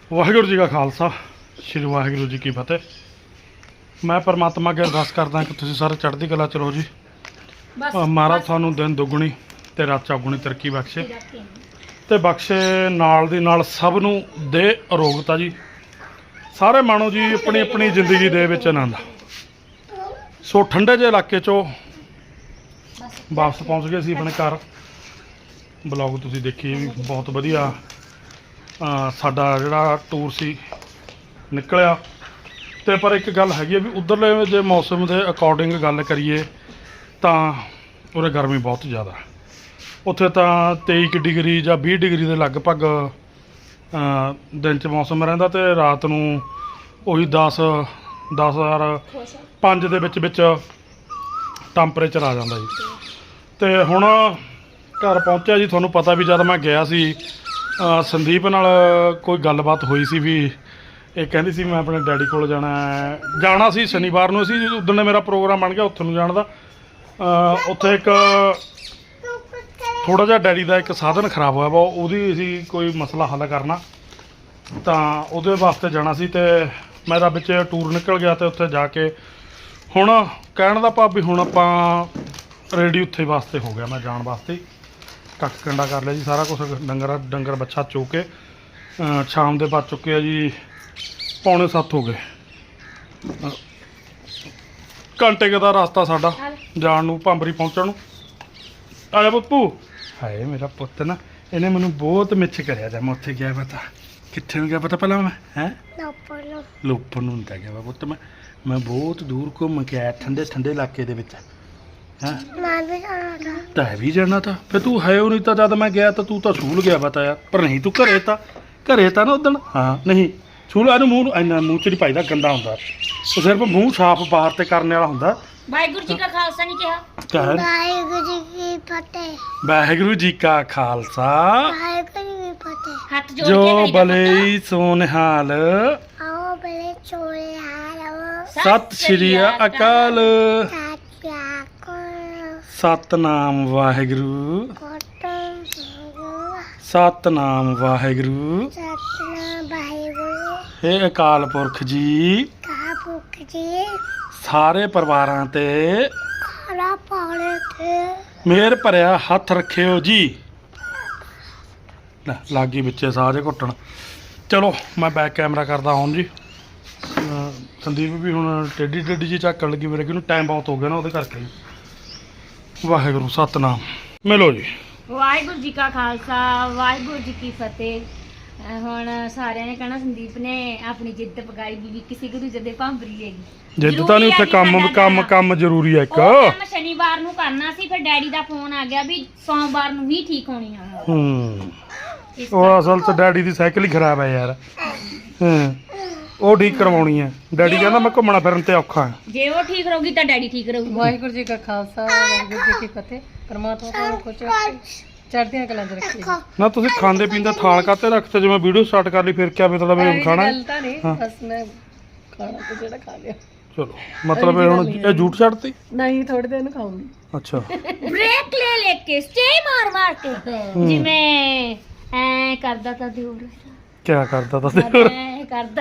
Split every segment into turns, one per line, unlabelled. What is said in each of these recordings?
ਵਾਹਿਗੁਰੂ ਜੀ ਕਾ ਖਾਲਸਾ ਸ਼੍ਰੀ ਵਾਹਿਗੁਰੂ ਜੀ ਕੀ ਫਤਿਹ। ਮੈਂ ਪਰਮਾਤਮਾ ਅੱਗੇ ਅਰਦਾਸ ਕਰਦਾ ਕਿ ਤੁਸੀਂ ਸਾਰੇ ਚੜ੍ਹਦੀ ਕਲਾ ਚ ਰਹੋ ਜੀ। ਮਹਾਰਾਜ ਤੁਹਾਨੂੰ ਦਿਨ ਦੁੱਗਣੀ ਤੇ ਰਾਤ ਚੌਗੁਣੀ ਤਰੱਕੀ ਬਖਸ਼ੇ ਤੇ ਬਖਸ਼ੇ ਨਾਲ ਦੀ ਨਾਲ ਸਭ ਨੂੰ ਦੇ ਅਰੋਗਤਾ ਜੀ। ਸਾਰੇ ਮਾਣੋ ਜੀ ਆਪਣੀ ਆਪਣੀ ਜ਼ਿੰਦਗੀ ਦੇ ਵਿੱਚ ਆਨੰਦ। ਸੋ ਠੰਡੇ ਜਿਹੇ ਇਲਾਕੇ ਚੋਂ ਵਾਪਸ ਪਹੁੰਚ ਗਏ ਸੀ ਆਪਣੇ ਘਰ। ਬਲੌਗ ਤੁਸੀਂ ਦੇਖੀਏ ਵੀ ਬਹੁਤ ਵਧੀਆ ਸਾਡਾ ਜਿਹੜਾ ਟੂਰ ਸੀ ਨਿਕਲਿਆ। ਤੇ ਪਰ ਇੱਕ ਗੱਲ ਹੈਗੀ ਹੈ ਵੀ ਉੱਧਰਲੇ ਜੇ ਮੌਸਮ ਦੇ ਅਕੋਰਡਿੰਗ ਗੱਲ ਕਰੀਏ ਤਾਂ ਉਰੇ ਗਰਮੀ ਬਹੁਤ ਜ਼ਿਆਦਾ। ਉੱਥੇ ਤਾਂ 23 ਡਿਗਰੀ ਜਾਂ 20 ਡਿਗਰੀ ਦੇ ਲਗਭਗ ਦਿਨ 'ਚ ਮੌਸਮ ਰਹਿੰਦਾ ਤੇ ਰਾਤ ਨੂੰ ਉਹੀ 10,005 ਦੇ ਵਿੱਚ ਟੈਂਪਰੇਚਰ ਆ ਜਾਂਦਾ ਜੀ। ਤੇ ਹੁਣ ਘਰ ਪਹੁੰਚਿਆ ਜੀ। ਤੁਹਾਨੂੰ ਪਤਾ ਵੀ ਜਦ ਮੈਂ ਗਿਆ ਸੀ ਸੰਦੀਪ ਨਾਲ ਕੋਈ ਗੱਲਬਾਤ ਹੋਈ ਸੀ ਵੀ ਇਹ ਕਹਿੰਦੀ ਸੀ ਮੈਂ ਆਪਣੇ ਡੈਡੀ ਕੋਲ ਜਾਣਾ ਸੀ ਸ਼ਨੀਵਾਰ ਨੂੰ। ਅਸੀਂ ਉਦੋਂ ਮੇਰਾ ਪ੍ਰੋਗਰਾਮ ਬਣ ਗਿਆ ਉੱਥੇ ਨੂੰ ਜਾਣ ਦਾ। ਉੱਥੇ ਇੱਕ ਥੋੜ੍ਹਾ ਜਿਹਾ ਡੈਡੀ ਦਾ ਇੱਕ ਸਾਧਨ ਖਰਾਬ ਹੋਇਆ ਵਾ, ਉਹਦੀ ਅਸੀਂ ਕੋਈ ਮਸਲਾ ਹੱਲ ਕਰਨਾ ਤਾਂ ਉਹਦੇ ਵਾਸਤੇ ਜਾਣਾ ਸੀ। ਤੇ ਮੇਰਾ ਵਿੱਚ ਟੂਰ ਨਿਕਲ ਗਿਆ ਤੇ ਉੱਥੇ ਜਾ ਕੇ ਹੁਣ ਕਹਿਣ ਦਾ ਭਾਵ ਵੀ ਹੁਣ ਆਪਾਂ ਰੈਡੀ ਉੱਥੇ ਵਾਸਤੇ ਹੋ ਗਿਆ। ਮੈਂ ਜਾਣ ਵਾਸਤੇ ਕੱਖ ਕੰਡਾ ਕਰ ਲਿਆ ਜੀ ਸਾਰਾ ਕੁਛ। ਡੰਗਰ ਬੱਛਾ ਚੋ ਕੇ ਸ਼ਾਮ ਦੇ ਵੱਜ ਚੁੱਕੇ ਆ ਜੀ 6:45 ਹੋ ਗਏ। ਘੰਟੇ ਕੁ ਦਾ ਰਸਤਾ ਸਾਡਾ ਜਾਣ ਨੂੰ ਭਾਂਬਰੀ ਪਹੁੰਚਣ ਨੂੰ। ਆ ਜਾ ਬੱਪੂ। ਹਾਏ ਮੇਰਾ ਪੁੱਤ ਨਾ ਇਹਨੇ ਮੈਨੂੰ ਬਹੁਤ ਮਿੱਛ ਕਰਿਆ। ਜਾਂ ਮੈਂ ਉੱਥੇ ਗਿਆ ਪਤਾ ਕਿੱਥੇ ਨੂੰ ਗਿਆ ਪਤਾ ਪਹਿਲਾਂ ਮੈਂ ਲੋਪਰ ਨੂੰ ਨਹੀਂ ਗਿਆ ਵਾ ਪੁੱਤ। ਮੈਂ ਬਹੁਤ ਦੂਰ ਘੁੰਮ ਕੇ ਆਇਆ ਠੰਡੇ ਇਲਾਕੇ ਦੇ ਵਿੱਚ। ਤਾਂ ਵੀ ਜਾਣਾ ਤਾਂ ਫਿਰ ਤੂੰ ਹੈ ਉਹ ਨਹੀਂ ਤਾਂ ਜਦ ਮੈਂ ਗਿਆ ਤਾਂ ਤੂੰ ਤਾਂ ਸਕੂਲ ਗਿਆ ਪਤਾ ਯਾਰ। ਪਰ ਨਹੀਂ ਤੂੰ ਘਰੇ ਤਾਂ ਨਾ ਉਦਣ। ਹਾਂ ਨਹੀਂ ਸਕੂਲ ਇਹਨੂੰ ਮੂੰਹ ਇੰਨਾ ਮੂੰਹ 'ਚ ਨਹੀਂ ਪਾਈਦਾ, ਗੰਦਾ ਹੁੰਦਾ। ਉਹ ਸਿਰਫ ਮੂੰਹ ਸਾਫ਼ ਬਾਹਰ ਤੇ ਕਰਨ ਵਾਲਾ ਹੁੰਦਾ।
ਵਾਹਿਗੁਰੂ ਜੀ ਕਾ ਖਾਲਸਾ ਨਹੀਂ ਕਿਹਾ।
ਵਾਹਿਗੁਰੂ ਜੀ ਕੀ ਫਤਿਹ। ਵਾਹਿਗੁਰੂ ਜੀ ਕਾ ਖਾਲਸਾ
ਵਾਹਿਗੁਰੂ ਜੀ ਕੀ ਫਤਿਹ। ਹੱਥ ਜੋੜ ਕੇ
ਜੋ ਬਲੇ ਸੋ ਨਿਹਾਲ
ਆਓ ਬਲੇ ਚੋਲੇ ਹਾਲ
ਸਤਿ ਸ਼੍ਰੀ ਅਕਾਲ। ਸਤਨਾਮ ਵਾਹਿਗੁਰੂ ਸਤਨਾਮ ਵਾਹਿਗੁਰੂ ਹੇ ਅਕਾਲ ਪੁਰਖ ਜੀ ਸਾਰੇ ਪਰਿਵਾਰਾਂ ਤੇ ਮਿਹਰ ਭਰਿਆ ਹੱਥ ਰੱਖਿਓ ਜੀ। ਲਾਗੀ ਵਿੱਚੇ ਸਾਹ ਘੁੱਟਣ। ਚਲੋ ਮੈਂ ਬੈਕ ਕੈਮਰਾ ਕਰਦਾ ਹੁਣ ਜੀ। ਸੰਦੀਪ ਵੀ ਹੁਣ ਟੇਢੀ ਜੀ ਝਾਕਣ ਲੱਗੀ ਮੇਰੇ ਕਿ ਟਾਈਮ ਬਹੁਤ ਹੋ ਗਿਆ ਨਾ ਉਹਦੇ ਕਰਕੇ। ਵਾਹਿਗੁਰੂ ਸਤਨਾਮ ਮਿਲੋ ਜੀ।
ਵਾਹਿਗੁਰੂ ਜੀ ਕਾ ਖਾਲਸਾ ਵਾਹਿਗੁਰੂ ਜੀ ਕੀ ਫਤਿਹ। ਹੁਣ ਸਾਰਿਆਂ ਨੇ ਕਹਿਣਾ ਸੰਦੀਪ ਨੇ ਆਪਣੀ ਜਿੱਦ ਪਕਾਈ ਵੀ ਕਿਸੇ ਗੁਰੂ ਜਦੇ ਭਾਂਬਰੀ ਹੈਗੀ।
ਜਿੱਦ ਤਾਂ ਨਹੀਂ ਉੱਥੇ ਕੰਮ ਜ਼ਰੂਰੀ ਹੈ ਇੱਕ।
ਕੰਮ ਸ਼ਨੀਵਾਰ ਨੂੰ ਕਰਨਾ ਸੀ ਫਿਰ ਡੈਡੀ ਦਾ ਫੋਨ ਆ ਗਿਆ ਵੀ ਸੋਮਵਾਰ ਨੂੰ ਹੀ ਠੀਕ ਹੋਣੀ ਆ।
ਉਹ ਅਸਲ 'ਚ ਡੈਡੀ ਦੀ ਸਾਈਕਲ ਹੀ ਖਰਾਬ ਹੈ ਯਾਰ। ਉਹ ਠੀਕ ਕਰਵਾਉਣੀ ਹੈ। ਡੈਡੀ ਕਹਿੰਦਾ ਮੈਂ ਘੁੰਮਣਾ ਫਿਰਨ ਤੇ ਔਖਾ ਹੈ।
ਜੇ ਉਹ ਠੀਕ ਰਹੂਗੀ ਤਾਂ ਡੈਡੀ ਠੀਕ ਰਹੂ।
ਵਾਹਿਗੁਰੂ ਜੀ ਕਾ ਖਾਲਸਾ ਵਾਹਿਗੁਰੂ ਜੀ ਕੀ ਫਤਿਹ। ਪਰਮਾਤਮਾ ਤੁਹਾਨੂੰ ਕੁਝ ਚੜ੍ਹਦੀਆਂ ਕਲਾਂ 'ਚ ਰੱਖੇ।
ਨਾ ਤੁਸੀਂ ਖਾਂਦੇ ਪੀਂਦੇ ਥਾਲ ਕਾਤੇ ਰੱਖਤੇ? ਜਿਵੇਂ ਵੀਡੀਓ ਸਟਾਰਟ ਕਰ ਲਈ ਫਿਰ ਕਿਆ ਮਤਲਬ ਹੈ ਖਾਣਾ?
ਗੱਲ ਤਾਂ ਨਹੀਂ ਬਸ ਮੈਂ ਖਾਣਾ ਤੇ ਜਿਹੜਾ ਖਾ ਲਿਆ।
ਚਲੋ ਮਤਲਬ ਇਹ ਹੁਣ ਇਹ ਝੂਠ ਛੱਡਤੀ?
ਨਹੀਂ ਥੋੜੀ ਦੇਰ ਨੂੰ ਖਾਊਂਗੀ।
ਅੱਛਾ
ਬ੍ਰੇਕ ਲੈ ਕੇ ਸਟੇ ਮਾਰ ਕੇ ਜਿਵੇਂ ਐ ਕਰਦਾ ਤਾਂ ਦਿਉਰ।
ਕਿਆ ਕਰਦਾ ਤਾ ਦਿਉਰ?
ਕਰਦਾ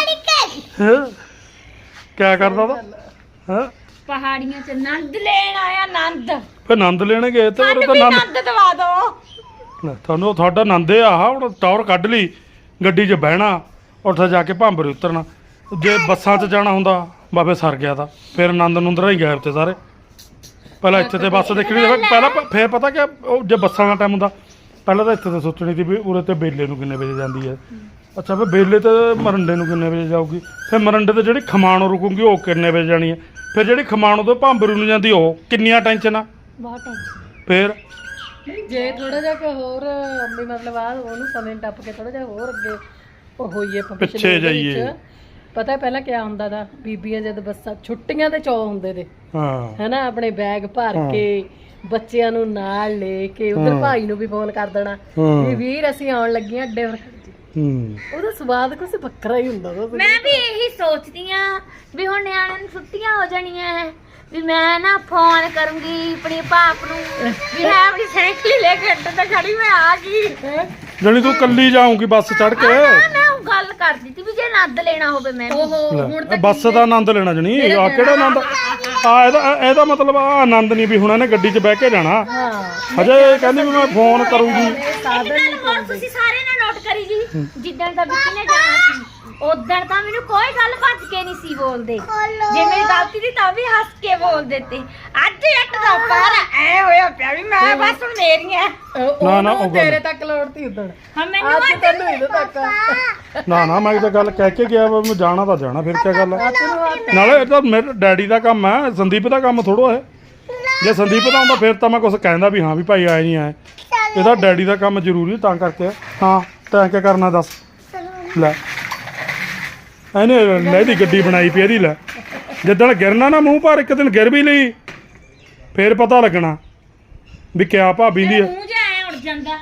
ਕਿਆ ਕਰਦਾ ਤਾ? ਹਾਂ
ਪਹਾੜੀਆਂ 'ਚ ਆਨੰਦ ਲੈਣ ਆਇਆ। ਆਨੰਦ
ਫਿਰ ਆਨੰਦ ਲੈਣ ਗਏ ਤੇ ਉਹ ਤਾਂ
ਆਨੰਦ ਦਵਾ ਦੋ
ਤੁਹਾਨੂੰ। ਤੁਹਾਡਾ ਆਨੰਦ ਇਹ ਆਹ ਹੁਣ ਟੌਰ ਕੱਢ ਲਈ ਗੱਡੀ 'ਚ ਬਹਿਣਾ ਉੱਥੇ ਜਾ ਕੇ ਭਾਂਬਰੇ ਉਤਰਨਾ। ਜੇ ਬੱਸਾਂ 'ਚ ਜਾਣਾ ਹੁੰਦਾ ਬਾਬੇ ਸਰ ਗਿਆ ਤਾਂ ਫਿਰ ਆਨੰਦ ਨੂੰਦਰਾ ਹੀ ਗਾਇਬ ਤੇ ਸਾਰੇ। ਪਹਿਲਾਂ ਇੱਥੇ ਤੇ ਬੱਸ ਦੇਖਣੀ ਪਹਿਲਾਂ ਫਿਰ ਪਤਾ ਕਿ ਉਹ ਜੇ ਬੱਸਾਂ ਦਾ ਟਾਈਮ ਹੁੰਦਾ ਪਹਿਲਾਂ ਤਾਂ ਇੱਥੇ ਤੇ ਸੋਚਣੀ ਸੀ ਵੀ ਉਰੇ ਤੇ ਬੇਲੇ ਨੂੰ ਕਿੰਨੇ ਵਜੇ ਜਾਂਦੀ ਹੈ। ਅੱਛਾ ਫਿਰ ਬੇਲੇ ਤੇ ਮਰੰਡੇ ਨੂੰ ਕਿੰਨੇ ਵਜੇ ਜਾਊਗੀ। ਫਿਰ ਮਰੰਡੇ ਤੇ ਜਿਹੜੀ ਖਮਾਣੋਂ ਰੁਕੂਗੀ ਉਹ ਕਿੰਨੇ ਵਜੇ ਜਾਣੀ ਹੈ। ਫਿਰ ਜਿਹੜੀ ਖਮਾਣੋਂ ਤੋਂ ਭਾਂਬਰੂ ਨੂੰ ਜਾਂਦੀ ਉਹ ਕਿੰਨੀਆਂ ਟੈਨਸ਼ਨ ਆ।
ਬਹੁਤ ਟੈਨਸ਼ਨ।
ਫਿਰ
ਜੇ ਥੋੜਾ ਜਿਹਾ ਕਿ ਹੋਰ ਵੀ ਮਤਲਬ ਆ ਉਹਨੂੰ ਸਮੇਂ ਟੱਪ ਕੇ ਥੋੜਾ ਜਿਹਾ ਹੋਰ ਅੱਗੇ ਉਹ ਹੋਈਏ
ਪਿੱਛੇ ਜਾਈਏ।
ਪਤਾ ਪਹਿਲਾਂ ਕਿਆ ਹੁੰਦਾ ਦਾ ਬੀਬੀਆਂ ਜਦ ਬੱਸਾਂ ਛੁੱਟੀਆਂ ਦੇ ਚੌ ਹੁੰਦੇ ਤੇ ਹੈਨਾ ਆਪਣੇ ਬੈਗ ਭਰ ਕੇ ਬੱਚਿਆਂ ਨੂੰ ਨਾਲ ਲੈ ਕੇ ਉਧਰ ਭਾਈ ਨੂੰ ਵੀ ਫੋਨ ਕਰ ਦੇਣਾ ਵੀ ਵੀਰ ਅਸੀਂ ਆਉਣ ਲੱਗੀਆਂ ਅੱਡੇ ਪਰ। ਉਹਦਾ ਸਵਾਦ ਕੁਛ ਵੱਖਰਾ ਹੀ ਹੁੰਦਾ।
ਮੈਂ ਵੀ ਇਹੀ ਸੋਚਦੀ ਆ ਵੀ ਹੁਣ ਨਿਆਣਿਆਂ ਨੂੰ ਛੁੱਟੀਆਂ ਹੋ ਜਾਣੀਆਂ ਵੀ ਮੈਂ ਨਾ ਫੋਨ ਕਰੂੰਗੀ ਆਪਣੇ ਪਾਪ ਨੂੰ ਵੀ ਮੈਂ ਆਪਣੀ ਸਾਈਕਲ ਲੈ ਕੇ ਅੱਡੇ ਤੇ ਖੜੀ ਮੈਂ ਆ ਗਈ।
ਜਣੀ ਤੂੰ ਕੱਲੀ ਜਾਊਂਗੀ ਬੱਸ ਚੜ ਕੇ
ਮੈਂ ਉਹ ਗੱਲ ਕਰਦੀ ਸੀ ਵੀ ਜੇ ਨੰਦ ਲੈਣਾ ਹੋਵੇ ਮੈਂ ਵੀ।
ਓਹੋ ਹੁਣ
ਲੈ,
ਤਾਂ
ਬੱਸ ਦਾ ਆਨੰਦ ਲੈਣਾ ਜਣੀ ਆ ਕਿਹੜਾ ਆਨੰਦ ਆ ਇਹਦਾ ਮਤਲਬ ਆ ਆਨੰਦ ਨਹੀਂ ਵੀ ਹੁਣ ਇਹਨੇ ਗੱਡੀ 'ਚ ਬਹਿ ਕੇ ਜਾਣਾ
ਹਾਂ
ਹਜੇ ਇਹ ਕਹਿੰਦੀ ਵੀ ਮੈਂ ਫੋਨ ਕਰੂੰਗੀ
ਇੱਕ ਗੱਲ ਹੋਰ ਤੁਸੀਂ ਸਾਰੇ ਨੇ ਨੋਟ ਕਰੀ ਜੀ ਜਿੱਦਣ ਦਾ ਵਿੱਕੀ ਨੇ ਜਾਣਾ ਸੀ ਉਦੋਂ ਤਾਂ ਮੈਨੂੰ ਕੋਈ ਗੱਲ ਭੱਜ ਕੇ ਨਹੀਂ ਸੀ ਬੋਲਦੇ ਜੇ ਮੇਰੀ ਗਲਤੀ ਸੀ ਤਾਂ ਵੀ ਹੱਸ ਕੇ ਬੋਲਦੇ ਤੇ ਅੱਜ ਇੱਕ ਦਾ ਪਰ ਐ ਹੋਇਆ ਪਿਆ ਵੀ ਮੈਂ ਬਸ ਹੁਣ ਮੇਰੀਆਂ
ਨਾ, ਉਹ ਗੱਲ-
ਤੇਰੇ ਤੱਕ ਲੋੜਤੀ ਉਦਣ
ਹਾਂ ਮੈਨੂੰ
ਅੱਜ ਤੈਨੂੰ ਇਹਦੇ ਤੱਕ
ਨਾ ਮੈਂ ਤਾਂ ਗੱਲ ਕਹਿ ਕੇ ਗਿਆ ਵਾ ਮੈਂ ਜਾਣਾ ਤਾਂ ਜਾਣਾ ਫਿਰ ਕੀ ਗੱਲ ਹੈ
ਤੈਨੂੰ ਹੱਥ
ਨਾਲੇ ਇਹ ਤਾਂ ਮੇਰੇ ਡੈਡੀ ਦਾ ਕੰਮ ਹੈ ਸੰਦੀਪ ਦਾ ਕੰਮ ਥੋੜੋ ਹੈ ਜੇ ਸੰਦੀਪ ਦਾ ਹੁੰਦਾ ਫਿਰ ਤਾਂ ਮੈਂ ਕੁਝ ਕਹਿੰਦਾ ਵੀ ਹਾਂ ਵੀ ਭਾਈ ਆਏ ਨਹੀਂ ਆਏ ਇਹਦਾ ਡੈਡੀ ਦਾ ਕੰਮ ਜ਼ਰੂਰੀ ਤਾਂ ਕਰਕੇ ਹਾਂ ਤੈਂ ਕੀ ਕਰਨਾ ਦੱਸ ਲੈ ਇਹਨੇ ਲੈ ਦੀ ਗੱਡੀ ਬਣਾਈ ਪਈ ਇਹਦੀ ਲੈ ਜਿੱਦਣ ਗਿਰਨਾ ਨਾ ਮੂੰਹ ਪਰ ਇੱਕ ਦਿਨ ਗਿਰ ਵੀ ਲਈ ਫਿਰ ਪਤਾ ਲੱਗਣਾ ਵੀ ਕਿਆ ਭਾਬੀ ਦੀ ਹੈ
ਮੂੰਹ ਜਿਹਾ ਐ ਉੜ ਜਾਂਦਾ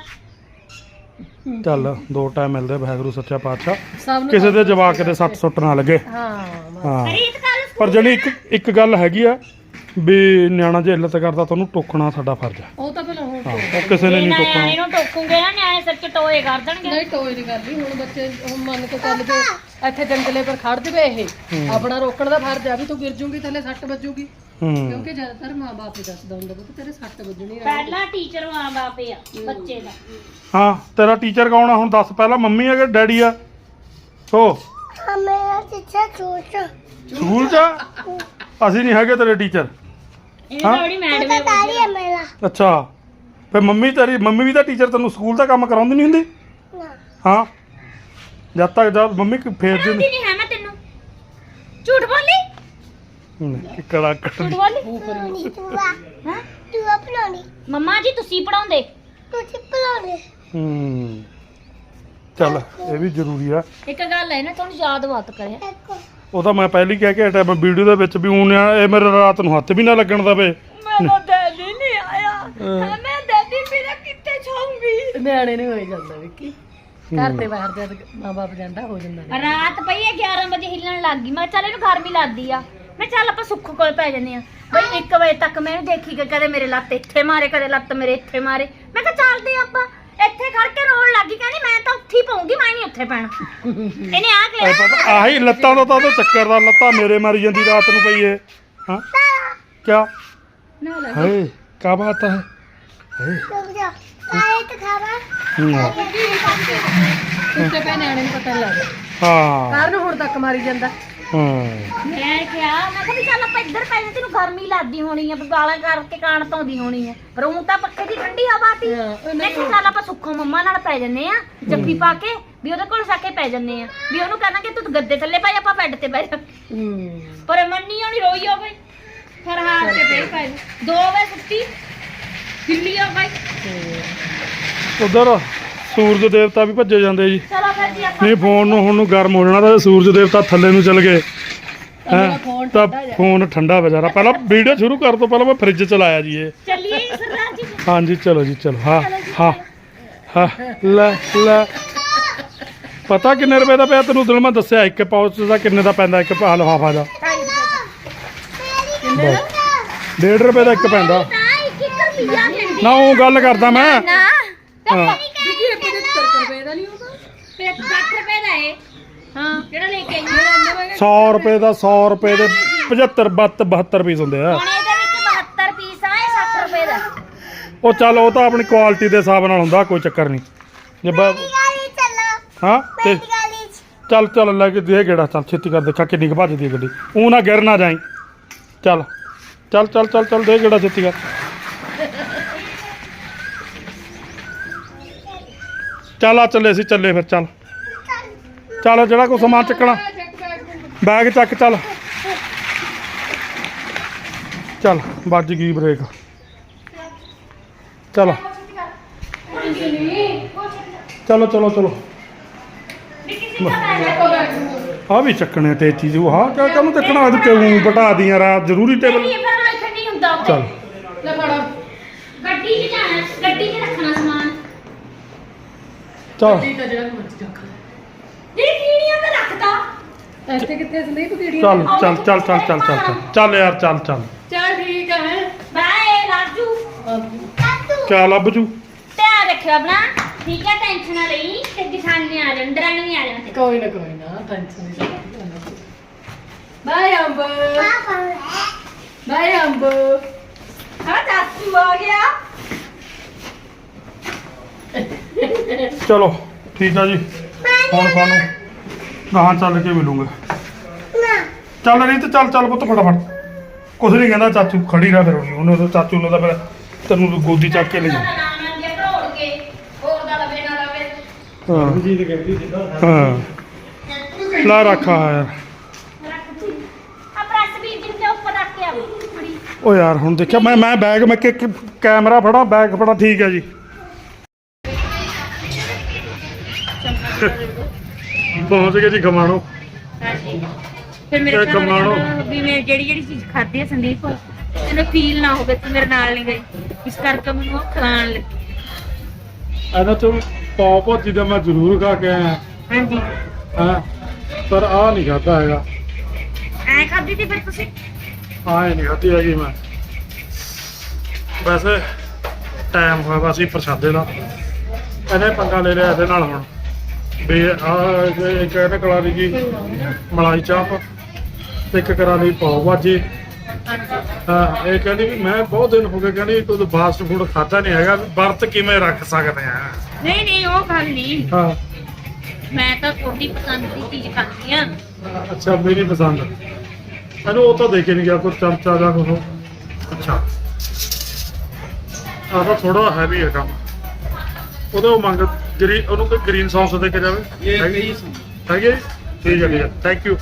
ਚੱਲ ਦੋ ਟਾਈਮ ਮਿਲਦੇ ਵਾਹਿਗੁਰੂ ਸੱਚਾ ਪਾਤਸ਼ਾਹ
ਸਭ ਨੂੰ
ਕਿਸੇ ਦੇ ਜਵਾਕ ਦੇ ਸੱਟ ਸੁੱਟ ਨਾ ਲੱਗੇ
ਹਾਂ
ਹਾਂ
ਰੀਤ ਕੱਲ
ਪਰ ਜਿਹੜੀ ਇੱਕ ਗੱਲ ਹੈਗੀ ਆ ਵੀ ਨਿਆਣਾ ਜੇ ਇੱਲਤ ਕਰਦਾ ਤੁਹਾਨੂੰ ਟੋਕਣਾ ਸਾਡਾ ਫਰਜ਼ ਹੈ
ਉਹ ਤਾਂ ਪਹਿਲਾਂ ਹੁਣ
ਹਾਂ ਉਹ ਕਿਸੇ ਨੇ ਨਹੀਂ ਟੋਕਣਾ
ਨਿਆਣੇ ਨੂੰ ਟੋਕੂਗੇ ਨਾ ਨਿਆਣੇ ਸਿਰ ਚ ਟੋਏ ਕਰ ਦੇਣਗੇ
ਨਹੀਂ ਟੋਏ ਨਹੀਂ ਕਰਦੀ ਹੁਣ ਬੱਚੇ ਹੁਣ ਮੰਨ ਕੇ ਚੱਲ ਜੇ ਇੱਥੇ ਜੰਗਲੇ ਪਰ ਖੜ ਜਵੇ ਇਹ ਆਪਣਾ ਰੋਕਣ ਦਾ ਫਰਜ਼ ਆ ਵੀ ਤੂੰ ਗਿਰ ਜੂਗੀ ਥੱਲੇ ਸੱਟ ਵੱਜੂਗੀ
ਹੂੰ
ਕਿਉਂਕਿ ਜ਼ਿਆਦਾਤਰ ਮਾਂ-ਬਾਪ ਹੀ ਦੱਸਦਾ ਹੁੰਦਾ ਕਿ ਤੇਰੇ ਸੱਟ ਵੱਜਣੀ ਆ
ਪਹਿਲਾ ਟੀਚਰ ਮਾਂ ਬਾਪ ਆ ਬੱਚੇ ਦਾ
ਹਾਂ ਤੇਰਾ ਟੀਚਰ ਕੌਣ ਆ ਹੁਣ ਦੱਸ ਪਹਿਲਾਂ ਮੰਮੀ ਆ ਕਿ ਡੈਡੀ ਆ ਹੋ
ਮੇਰਾ ਟੀਚਰ ਚੂਚਾ
ਸਕੂਲ 'ਚ ਆ? ਅਸੀਂ ਨਹੀਂ ਹੈਗੇ ਤੇਰੇ ਟੀਚਰ
ਇਹ ਤਾਂ ਬੜੀ ਮੈਡਮ ਹੈ
ਤਾਰੀ ਹੈ ਮੇਰਾ
ਅੱਛਾ ਫਿਰ ਮੰਮੀ ਵੀ ਤਾਂ ਟੀਚਰ ਤੈਨੂੰ ਸਕੂਲ ਦਾ ਕੰਮ ਕਰਾਉਂਦੀ ਨਹੀਂ ਹੁੰਦੀ
ਨਾ
ਹਾਂ ਜਦ ਮੰਮੀ ਫੇਰ ਦਿੰਦੀ
ਨਹੀਂ ਹੈ ਮੈਂ ਤੈਨੂੰ ਝੂਠ ਬੋਲੀ
ਕਿਕੜਾ
ਝੂਠ ਬੋਲੀ
ਪੜਾਉਣੀ ਤੂੰ ਆ
ਹਾਂ
ਤੂੰ ਆ ਪੜਾਉਣੀ
ਮੰਮਾ ਜੀ ਤੁਸੀਂ ਪੜਾਉਂਦੇ
ਤੁਸੀਂ ਪੜਾਉਣੀ
ਹੂੰ ਚੱਲ ਇਹ ਵੀ ਜ਼ਰੂਰੀ ਆ
ਇੱਕ ਗੱਲ ਹੈ ਨਾ ਤੁਹਾਨੂੰ ਯਾਦ ਬਾਤ ਕਰਿਆ
ਇੱਕ
ਉਹ ਤਾਂ ਮੈਂ ਪਹਿਲੀ ਕਹਿ ਕੇ ਹਟਿਆ ਮੈਂ ਵੀਡੀਓ ਦੇ ਵਿੱਚ ਵੀ ਹੁਣ ਇਹ ਮੇਰੇ ਰਾਤ ਨੂੰ ਹੱਥ ਵੀ ਨਾ ਲੱਗਣ ਦਵੇ
ਮੇਰਾ ਡੈਡੀ ਨਹੀਂ ਆਇਆ ਮੈਂ ਡੈਡੀ ਮੇਰਾ ਕਿੱਥੇ ਛਾਉਂਗੀ
ਨਿਆਣੇ ਨੂੰ ਹੋਈ ਜਾਂਦਾ ਵਿੱਕੀ ਘਰ ਦੇ ਬਾਹਰ ਜਦ ਮਾਂ-ਬਾਪ ਜਾਂਦਾ ਹੋ ਜਾਂਦਾ
ਰਾਤ ਪਈ ਹੈ 11 ਵਜੇ ਹਿੱਲਣ ਲੱਗ ਗਈ ਮੈਂ ਕਿਹਾ ਚੱਲ ਇਹਨੂੰ ਗਰਮੀ ਲੱਗਦੀ ਆ ਮੈਂ ਚੱਲ ਆਪਾਂ ਸੁੱਖ ਕੋਲ ਪੈ ਜੰਨੇ ਆ ਬਈ 1 ਵਜੇ ਤੱਕ ਮੈਂ ਇਹਨੂੰ ਦੇਖੀ ਕਿ ਕਦੇ ਮੇਰੇ ਲੱਤ ਇੱਥੇ ਮਾਰੇ ਕਦੇ ਲੱਤ ਮੇਰੇ ਇੱਥੇ ਮਾਰੇ ਮੈਂ ਕਿਹਾ ਚੱਲਦੇ ਆਪਾਂ ਇੱਥੇ ਖੜ ਕੇ ਰੋਣ ਲੱਗੀ ਕਹਿੰਦੀ ਮੈਂ ਤਾਂ ਉੱਥੇ ਹੀ ਪਾਉਂਗੀ ਮੈਂ ਨਹੀਂ ਉੱਥੇ ਪੈਣਾ ਇਹਨੇ ਆ ਕੇ
ਇਹ ਪਤਾ ਆਹੀ ਲੱਤਾਂ ਦਾ ਤਾਂ ਉਹਦੇ ਚੱਕਰ ਦਾ ਲੱਤਾਂ ਮੇਰੇ ਮਾਰੀ ਜਾਂਦੀ ਰਾਤ ਨੂੰ ਪਈ ਏ ਹਾਂ ਕਿਆ
ਨਾ ਲੱਗ
ਹੈ ਕਾ ਬਾਤ ਹੈ
ਰੁਕ ਜਾ ਆਏ ਤਾਂ ਖਾਵਾ
ਹੂੰ,
ਉੱਤੇ ਪੈ ਨਿਆਣੇ ਨੂੰ ਪਤਾ ਨੀ ਲੱਗਦਾ
ਹਾਂ
ਕਾਰਨ ਹੁਣ ਤੱਕ ਮਾਰੀ ਜਾਂਦਾ
ਹਾਂ
ਮੈਂ ਕਿਹਾ ਵੀ ਚੱਲ ਆਪਾਂ ਇੱਧਰ ਪੈ ਜਾਂਦੇ ਤੈਨੂੰ ਗਰਮੀ ਲੱਗਦੀ ਹੋਣੀ ਆ ਵੀ ਗਾਲਾਂ ਕਰਕੇ ਕਾਣ ਧੌਂਦੀ ਹੋਣੀ ਆ ਪਰ ਉਹ ਤਾਂ ਪੱਖੇ ਦੀ ਠੰਡੀ ਹਵਾ ਤੀ ਮੈਂ ਕਿਹਾ ਚੱਲ ਆਪਾਂ ਸੁੱਖੋ ਮੰਮਾ ਨਾਲ ਪੈ ਜੰਨੇ ਆ ਜੱਫੀ ਪਾ ਕੇ ਵੀ ਉਹਦੇ ਕੋਲ ਸਾ ਕੇ ਪੈ ਜੰਨੇ ਆ ਵੀ ਉਹਨੂੰ ਕਹਿਣਾ ਕਿ ਤੂੰ ਗੱਦੇ ਥੱਲੇ ਪੈ ਜਾ ਆਪਾਂ ਬੈੱਡ ਤੇ ਬਹਿ ਜਾ ਪਰ ਮੰਨੀ ਹੋਣੀ ਰੋਈ ਹੋ ਗਈ ਫਿਰ ਹਾਰ ਕੇ ਫੇਰ ਪੈ 2 ਵਜੇ ਸੁੱਤੀ ਹਿੱਲੀ ਹੋ ਗਈ
ਉਧਰ ਸੂਰਜ ਦੇਵਤਾ ਵੀ ਭੱਜੇ ਜਾਂਦੇ ਜੀ
ਚਲੋ ਫਿਰ ਜੀ ਆਪਾਂ
ਨਹੀਂ ਫੋਨ ਨੂੰ ਹੁਣ ਨੂੰ ਗਰਮ ਹੋ ਜਾਣਾ ਤਾਂ ਸੂਰਜ ਦੇਵਤਾ ਥੱਲੇ ਨੂੰ ਚਲ ਗਏ ਹੈਂ ਤਾਂ ਫੋਨ ਠੰਡਾ ਵਿਚਾਰਾ ਪਹਿਲਾਂ ਵੀਡੀਓ ਸ਼ੁਰੂ ਕਰ ਤੋਂ ਪਹਿਲਾਂ ਮੈਂ ਫ੍ਰਿਜ ਚ ਲਾਇਆ ਜੀ ਇਹ
ਚੱਲੀਏ ਜੀ ਸਰਦਾਰ ਜੀ
ਹਾਂਜੀ ਚਲੋ ਜੀ ਚਲੋ ਹਾਂ ਲੈ ਪਤਾ ਕਿੰਨੇ ਰੁਪਏ ਦਾ ਪਿਆ ਤੈਨੂੰ ਦਿਲ ਮੈਂ ਦੱਸਿਆ ਇੱਕ ਪਾਉਚ ਦਾ ਕਿੰਨੇ ਦਾ ਪੈਂਦਾ ਇੱਕ ਲਿਫਾਫਾ ਦਾ 1.5 ਰੁਪਏ ਦਾ ਇੱਕ ਪੈਂਦਾ
ਤਾਂ ਇੱਕ ਰੁਪਿਆ ਦਿੰਦੀ
ਨਾ ਉਹ ਗੱਲ ਕਰਦਾ ਮੈਂ
ਨਾ
ਹਾਂ
ਵਿੱਕੀ ਇਹ 75 ਰੁਪਏ ਦਾ ਨਹੀਂ ਹੋਊਗਾ
ਫਿਰ 60 ਰੁਪਏ ਦਾ ਏ
ਹਾਂ
ਜਿਹੜਾ ਲੈ ਕੇ ਆਈ
100 ਰੁਪਏ ਦਾ 100 ਰੁਪਏ ਦੇ 75 72 ਪੀਸ ਹੁੰਦੇ ਆ
ਹੁਣ ਇਹਦੇ ਵਿੱਚ 72 ਪੀਸ ਆ ਇਹ 60 ਰੁਪਏ ਦਾ
ਉਹ ਚੱਲ ਉਹ ਤਾਂ ਆਪਣੀ ਕੁਆਲਿਟੀ ਦੇ ਹਿਸਾਬ ਨਾਲ ਹੁੰਦਾ ਕੋਈ ਚੱਕਰ ਨਹੀਂ ਜੇ
ਗਾਲੀ ਚੱਲੋ
ਹਾਂ ਤੇ
ਗਾਲੀ
ਚੱਲ ਲੈ ਕੇ ਦੇ ਗੇੜਾ ਚੱਲ ਛੇਤੀ ਕਰ ਦੇਖਾ ਕਿੰਨੀ ਕੁ ਭੱਜਦੀ ਹੈ ਗੱਡੀ ਉਹ ਨਾ ਗਿਰ ਨਾ ਜਾਈ ਚੱਲ ਦੇ ਗੇੜਾ ਛੇਤੀ ਕਰ ਚੱਲ ਆ ਚੱਲੇ ਅਸੀਂ ਚੱਲੇ ਫਿਰ ਚੱਲ ਜਿਹੜਾ ਕੋਈ ਸਮਾਨ ਚੱਕਣਾ ਬੈਗ ਚੱਕ ਚੱਲ ਵੱਜ ਗਈ ਬ੍ਰੇਕ ਚਲੋ ਆ ਵੀ ਚੱਕਣੇ ਤੇ ਚੀਜ਼ ਉਹ ਹਾਂ ਕਿਆ ਕਾਹਨੂੰ ਚੱਕਣਾ ਅੱਜ ਕਿਉਂ ਬਟਾ ਦੀਆਂ ਰਾਤ ਜ਼ਰੂਰੀ ਟੇਬਲ
ਇਹ ਫਿਰ ਮੈਂ ਇੱਥੇ ਨਹੀਂ ਹੁੰਦਾ ਉੱਥੇ
ਚੱਲ
ਲੈ ਫੜਾ
ਗੱਡੀ 'ਚ ਜਾਣਾ ਗੱਡੀ 'ਚ ਰੱਖਣਾ ਸਮਾਨ
ਚੱਲ
ਠੀਕ ਆ ਜਿਹੜਾ ਮਰਜ਼ੀ ਰੱਖ ਲੈ
ਜਿਹੜੀ ਕੀੜੀਆਂ ਤੇ ਰੱਖਦਾ
ਇੱਥੇ ਕਿੱਥੇ ਸੰਦੀਪ ਕੀੜੀਆਂ
ਚੱਲ ਯਾਰ ਚੱਲ
ਚੱਲ ਠੀਕ ਹੈ
ਬਾਏ ਰਾਜੂ
ਕਿਆ ਲੱਭ ਜੂ
ਧਿਆਨ ਰੱਖਿਓ ਆਪਣਾ ਠੀਕ ਹੈ ਟੈਨਸ਼ਨ ਨਾ ਲਈ ਤੇ ਕਿਸਾਨੇ ਆ ਜਾਣ ਦਰਾਣੀ ਵੀ ਆ ਜਾਣ
ਕੋਈ ਨਾ ਟੈਨਸ਼ਨ ਨਹੀਂ ਬਾਏ ਅੰਬ ਬਾਏ ਅੰਬ
ਹਾਂ ਚਾਚੂ ਆ ਗਿਆ
ਚਲੋ ਠੀਕ ਆ ਜੀ ਹੁਣ ਤੁਹਾਨੂੰ ਗਾਹਾਂ ਚੱਲ ਕੇ ਮਿਲੂੰਗਾ ਚੱਲ ਰਹੀ ਤੇ ਚੱਲ ਪੁੱਤ ਫਟਾਫਟ ਕੁਛ ਨਹੀਂ ਕਹਿੰਦਾ ਚਾਚੂ ਖੜੀ ਰਹਿ ਫਿਰ ਉਹਨੇ ਉਹ ਚਾਚੂ ਨੂੰ ਤਾਂ ਫਿਰ ਤੈਨੂੰ ਗੋਦੀ ਚੱਕ ਕੇ ਲੈ ਜਾ
ਨਾਮ ਲੰਗੇ ਭਰੋੜ ਕੇ ਹੋਰ ਦਾ ਲਵੇ ਨਾ ਲਵੇ
ਹਾਂ
ਜੀ ਦੀ ਕਹਿੰਦੀ ਜਿੱਦਾਂ
ਹਾਂ ਲਾ ਰੱਖਾ ਹੈ ਯਾਰ
ਆ ਪ੍ਰੈਸ ਵੀ ਜਿੰਦੇ ਉੱਪਰ ਰੱਖ ਕੇ ਆਵੀ ਬੜੀ
ਓ ਯਾਰ ਹੁਣ ਦੇਖਿਆ ਮੈਂ ਬੈਗ ਮੈਂ ਕੈਮਰਾ ਫੜਾ ਬੈਗ ਫੜਾ ਠੀਕ ਹੈ ਜੀ ਪਹੁੰਚ ਗਏ ਜੀ ਖਮਾਣੋ
ਹਾਂਜੀ ਫਿਰ ਮੇਰੇ
ਇਹ ਕਮਾਣੋ।
ਵੀ ਮੈਂ ਜਿਹੜੀ ਚੀਜ਼ ਖਾਧੀ ਹੈ ਸੰਦੀਪ ਤੈਨੂੰ ਫੀਲ ਨਾ ਹੋਵੇ ਤੂੰ ਮੇਰੇ ਨਾਲ ਨਹੀਂ ਗਈ ਇਸ ਕਰਕੇ ਮੈਨੂੰ ਉਹ ਖਿਲਾਉਣ ਲੱਗੀ
ਇਹਨਾਂ ਚੋਂ ਪਾਓ ਭਾਜੀ ਦਾ ਮੈਂ ਜ਼ਰੂਰ ਖਾ ਕੇ ਆਇਆ
ਹਾਂਜੀ
ਹਾਂ ਪਰ ਆ ਨਹੀਂ ਖਾਧਾ ਹੈਗਾ
ਐ ਖਾਧੀ ਸੀ ਫਿਰ ਤੁਸੀਂ
ਆਏ ਨਹੀਂ ਖਾਧੀ ਹੈਗੀ ਮੈਂ ਵੈਸੇ ਟਾਈਮ ਹੋਇਆ ਵਾ ਸੀ ਪ੍ਰਸ਼ਾਦੇ ਦਾ ਇਹਨੇ ਪੰਗਾ ਲੈ ਲਿਆ ਇਹਦੇ ਨਾਲ ਹੁਣ ਵੀ ਆ ਇੱਕ ਇਹਨੇ ਕਰਾ ਲਈ ਜੀ ਮਲਾਈ ਚਾਪ ਤੇ ਇੱਕ ਕਰਾ ਲਈ ਪਾਓ ਭਾਜੀ ਹਾਂ ਇਹ ਕਹਿੰਦੀ ਵੀ ਮੈਂ ਬਹੁਤ ਦਿਨ ਹੋ ਗਏ ਕਹਿੰਦੀ ਤੂੰ ਫਾਸਟ ਫੂਡ ਖਾਧਾ ਨਹੀਂ ਹੈਗਾ ਵਰਤ ਕਿਵੇਂ ਰੱਖ ਸਕਦੇ ਆ
ਨਹੀਂ ਉਹ ਗੱਲ ਨਹੀਂ
ਹਾਂ
ਮੈਂ ਤਾਂ ਤੁਹਾਡੀ ਪਸੰਦ ਦੀ ਚੀਜ਼ ਖਾਂਦੀ ਆ
ਅੱਛਾ ਮੇਰੀ ਪਸੰਦ ਇਹਨੂੰ ਉਹ ਤਾਂ ਦੇਖੇ ਨਹੀਂ ਗਿਆ ਕੋਈ ਚਮਚਾ ਜਾਂ ਕੁਛ ਅੱਛਾ ਆਹ ਤਾਂ ਥੋੜਾ ਹੈਵੀ ਹੈ ਕੰਮ ਉਹਦੇ ਉਹ ਮੰਗ ਉਹਨੂੰ ਕੋਈ ਗ੍ਰੀਨ ਸੌਸ ਦੇ ਕੇ ਜਾਵੇ
ਇਹ
ਹੈਗੀ?
ਕਈ
ਹੈਗੀ ਹੈ ਜੀ? ਠੀਕ ਹੈ ਥੈਂਕ ਯੂ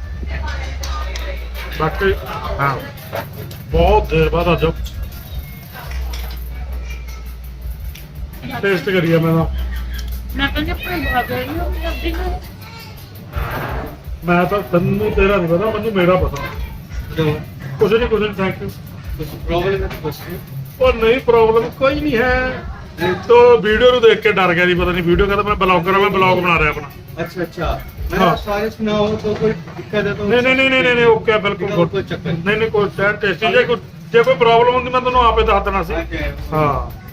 ਬਾਕੀ ਹਾਂ ਬਹੁਤ ਦੇਰ ਬਾਅਦ ਅੱਜ ਟੇਸਟ ਕਰੀਆ ਮੈਂ ਤਾਂ
ਮੈਂ ਕਹਿੰਦੀ ਆਪਣੇ ਬਾਬੇ ਨੂੰ ਕਰਦੀ ਨੂੰ
ਮੈਂ ਤਾਂ ਤੈਨੂੰ ਤੇਰਾ ਨਹੀਂ ਪਤਾ ਮੈਨੂੰ ਮੇਰਾ ਪਤਾ ਕੁਝ ਨਹੀਂ ਥੈਂਕ ਯੂ
ਪ੍ਰੋਬਲਮ ਹੈ ਦੱਸੋ
ਉਹ ਨਹੀਂ ਪ੍ਰੋਬਲਮ ਕੋਈ ਨਹੀਂ ਹੈ ਤੋ ਵੀਡੀਓ ਨੂੰ ਦੇਖ ਕੇ ਡਰ ਗਿਆ ਜੀ ਪਤਾ ਨਹੀਂ ਵੀਡੀਓ ਕਹਿੰਦਾ ਮੈਂ ਬਲੌਗਰ ਹਾਂ ਮੈਂ ਬਲੌਗ ਬਣਾ ਰਿਹਾ ਆਪਣਾ
अच्छा अच्छा
हाँ।
मैंने सारे सुना हो तो कोई दिक्कत है तो
ਨਹੀਂ ਓਕੇ ਬਿਲਕੁਲ
और कोई चक्कर
ਨਹੀਂ ਕੋਈ ਟੈਸਟੀ ਜੇ ਕੋਈ ਪ੍ਰੋਬਲਮ ਹੁੰਦੀ ਮੈਂ ਤੁਹਾਨੂੰ ਆਪੇ ਦੱਸ ਦੇਣਾ ਸੀ
नहीं
ਹਾਂ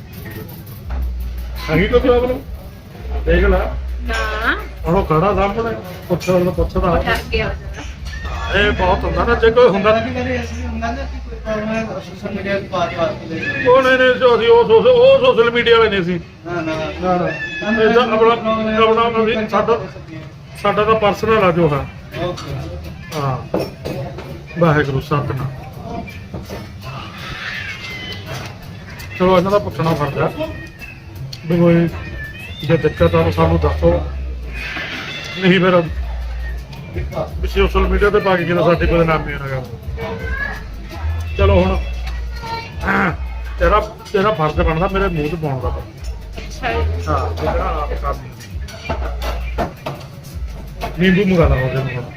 ਹੈਗੀ ਕੋਈ ਪ੍ਰੋਬਲਮ ਦੇਖ ਲੈ
ਨਾ
ਹੁਣ ਉਹ ਖੜਾ ਸਾਹਮਣੇ ਪੁੱਛਦਾ
ਡਰ ਗਿਆ
ਇਹ ਬਹੁਤ ਹੁੰਦਾ ਨਾ ਜੇ ਕੋਈ ਹੁੰਦਾ
कभी कभी ऐसे भी होता है ना कि कोई प्रॉब्लम है सोशल मीडिया की बात के लिए
ਉਹ ਨਹੀਂ ਜੋ ਅਸੀਂ ਉਹ ਸੋਸ਼ਲ ਮੀਡੀਆ ਵਾਲੇ ਨਹੀਂ ਸੀ
ना ना
ਇਹ ਤਾਂ ਆਪਣਾ ਅਸੀਂ ਸਾਡਾ ਤਾਂ ਪਰਸਨਲ ਆ ਜੋ ਹੈ
ओके
ਹਾਂ ਵਾਹਿਗੁਰੂ ਸਤਿਨਾਮ ਚਲੋ ਇਹਨਾਂ ਦਾ ਪੁੱਛਣਾ ਫਰਦਾ ਵੀ ਕੋਈ ਜੇ ਦਿੱਕਤ ਆ ਤਾਂ ਸਾਨੂੰ ਦੱਸੋ ਨਹੀਂ ਫਿਰ ਵੀ ਸੋਸ਼ਲ ਮੀਡੀਆ ਤੇ ਪਾ ਕੇ ਕਿਤੇ ਸਾਡੀ ਬਦਨਾਮੀ ਨਾ ਕਰ ਚਲੋ ਹੁਣ ਤੇਰਾ ਫਰਜ਼ ਬਣਦਾ ਮੇਰੇ ਮੂੰਹ 'ਚ ਪਾਉਣ ਦਾ
ਅੱਛਾ
ਹਾਂ ਜਿਹੜਾ ਆਪ ਕਰਦੀ ਨਿੰਬੂ ਮੰਗਾ ਲਾ ਉਹਦੇ ਨੂੰ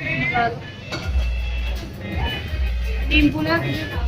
ਨਿੰਬੂ ਨਾ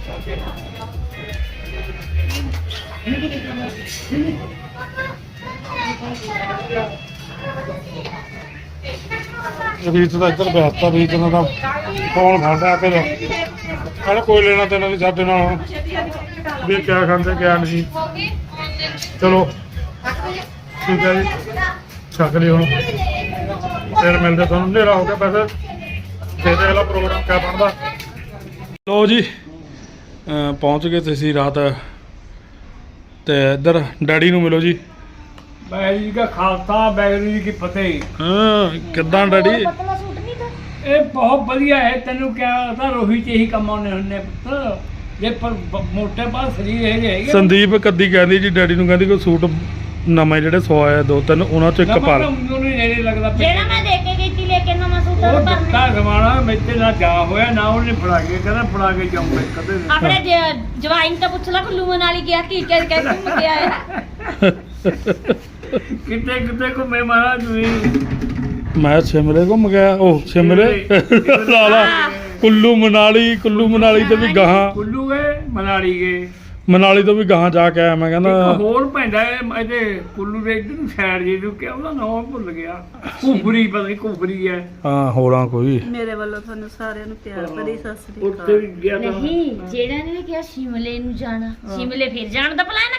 ਰੀਤ ਦਾ ਇੱਧਰ ਬੈਠਤਾ ਰੀਤ ਨਾਲ ਤਾਂ ਫੋਨ ਫੜਦਾ ਫਿਰ ਕਹਿੰਦਾ ਕੋਈ ਲੈਣਾ ਦੇਣਾ ਨਹੀਂ ਸਾਡੇ ਨਾਲ ਹੁਣ ਵੀ ਕਿਆ ਖਾਂਦੇ ਕਿਆ ਨਹੀਂ ਚਲੋ ਠੀਕ ਹੈ ਜੀ ਛੱਕ ਲਿਓ ਹੁਣ ਫਿਰ ਮਿਲਦੇ ਤੁਹਾਨੂੰ ਹਨੇਰਾ ਹੋ ਗਿਆ ਵੈਸੇ ਫਿਰ ਅਗਲਾ ਪ੍ਰੋਗਰਾਮ ਕਿਆ ਬਣਦਾ ਲੋ ਜੀ ਪਹੁੰਚ ਗਏ ਤੁਸੀਂ ਰਾਤ ਤੇ ਇੱਧਰ ਡੈਡੀ ਨੂੰ ਮਿਲੋ ਜੀ
ਵਾਹਿਗੁਰੂ ਜੀ ਕਾ ਖਾਲਸਾ ਵਾਹਿਗੁਰੂ ਜੀ ਕੀ ਫਤਿਹ।
ਹਾਂ ਕਿੱਦਾਂ ਡੈਡੀ
ਪਤਲਾ ਸੂਟ ਨਹੀਂ ਤਾਂ
ਇਹ ਬਹੁਤ ਵਧੀਆ ਹੈ ਤੈਨੂੰ ਕਿਹਾ ਤਾਂ ਰੋਹੀ ਚ ਇਹੀ ਕੰਮ ਆਉਣੇ ਹੁੰਦੇ ਪੁੱਤ ਜੇ ਪਰ ਮੋਟੇ ਬਾਅਦ ਸਰੀਰ ਇਹ ਜਿਹੇ ਹੈਗੇ
ਸੰਦੀਪ ਕੱਦੀ ਕਹਿੰਦੀ ਜੀ ਡੈਡੀ ਨੂੰ ਕਹਿੰਦੀ ਕੋਈ ਸੂਟ ਨਵੇਂ ਜਿਹੜੇ ਸਵਾਏ ਦੋ ਤਿੰਨ ਉਹਨਾਂ ਚੋਂ ਇੱਕ ਪਾ ਲੈ
ਮੈਨੂੰ ਨਹੀਂ ਨੇੜੇ ਲੱਗਦਾ
ਜਿਹੜਾ ਮੈਂ ਦੇ ਕੇ ਗਈ ਸੀ ਲੈ ਕੇ ਨਵਾਂ ਸੂਟ
ਉਹ
ਉਹ
ਦਿੱਤਾ
ਭਰਨੇ
ਜ਼ਮਾਨਾ ਮੇਤੇ ਨਾਲ ਜਾ ਹੋਇਆ ਨਾ ਉਹਨੇ ਫੜਾ ਕੇ ਕਹਿੰਦਾ ਫੜਾ ਕੇ ਜਾਊਂਗਾ ਕਦੇ ਨਹੀਂ।
ਆਪਣੇ ਜਵਾਈਨ ਤਾਂ ਪੁੱਛ ਲਾ ਕੁੱਲੂ ਮਨਾਲੀ ਗਿਆ ਕੀ ਕਹਿ ਕੇ ਘੁੰਮ ਕੇ ਆਇਆ
ਕਿਤੇ ਕਿਤੇ ਘੁੰਮੇ ਮਹਾਰਾਜ ਵੀ
ਮੈਂ ਸ਼ਿਮਲੇ ਘੁੰਮ ਗਿਆ ਉਹ ਸ਼ਿਮਲੇ ਲਾ ਲਾ ਕੁੱਲੂ ਮਨਾਲੀ ਤੇ ਵੀ ਗਾਹਾਂ
ਕੁੱਲੂ ਗਏ ਮਨਾਲੀ ਗਏ
ਮਨਾਲੀ ਤੋਂ ਵੀ ਗਾਹਾਂ ਜਾ ਕੇ ਆਇਆ ਮੈਂ
ਇੱਕ
ਕਹਿੰਦਾ
ਹੋਰ ਪੈਂਦਾ ਹੈ ਇਹਦੇ ਕੁੱਲੂ ਦੇ ਇੱਧਰ ਨੂੰ ਸਾਈਡ ਜੀ ਨੂੰ ਕਿਹਾ ਉਹਦਾ ਨਾਮ ਭੁੱਲ ਗਿਆ ਕੁਫਰੀ ਪਤਾ ਨਹੀਂ ਕੁਫਰੀ ਹੈ
ਹਾਂ ਹੋਰਾਂ ਕੋਈ
ਮੇਰੇ ਵੱਲੋਂ ਤੁਹਾਨੂੰ ਸਾਰਿਆਂ ਨੂੰ ਪਿਆਰ ਭਰੀ ਸਤਿ ਸ੍ਰੀ
ਉੱਥੇ ਵੀ ਗਿਆ ਤਾਂ
ਨਹੀਂ ਜਿਹੜਾ ਨੇ ਕਿਹਾ ਸ਼ਿਮਲੇ ਨੂੰ ਜਾਣਾ ਸ਼ਿਮਲੇ ਫਿਰ ਜਾਣ ਦਾ ਪਲਾਨ ਆ ਕਿਤੇ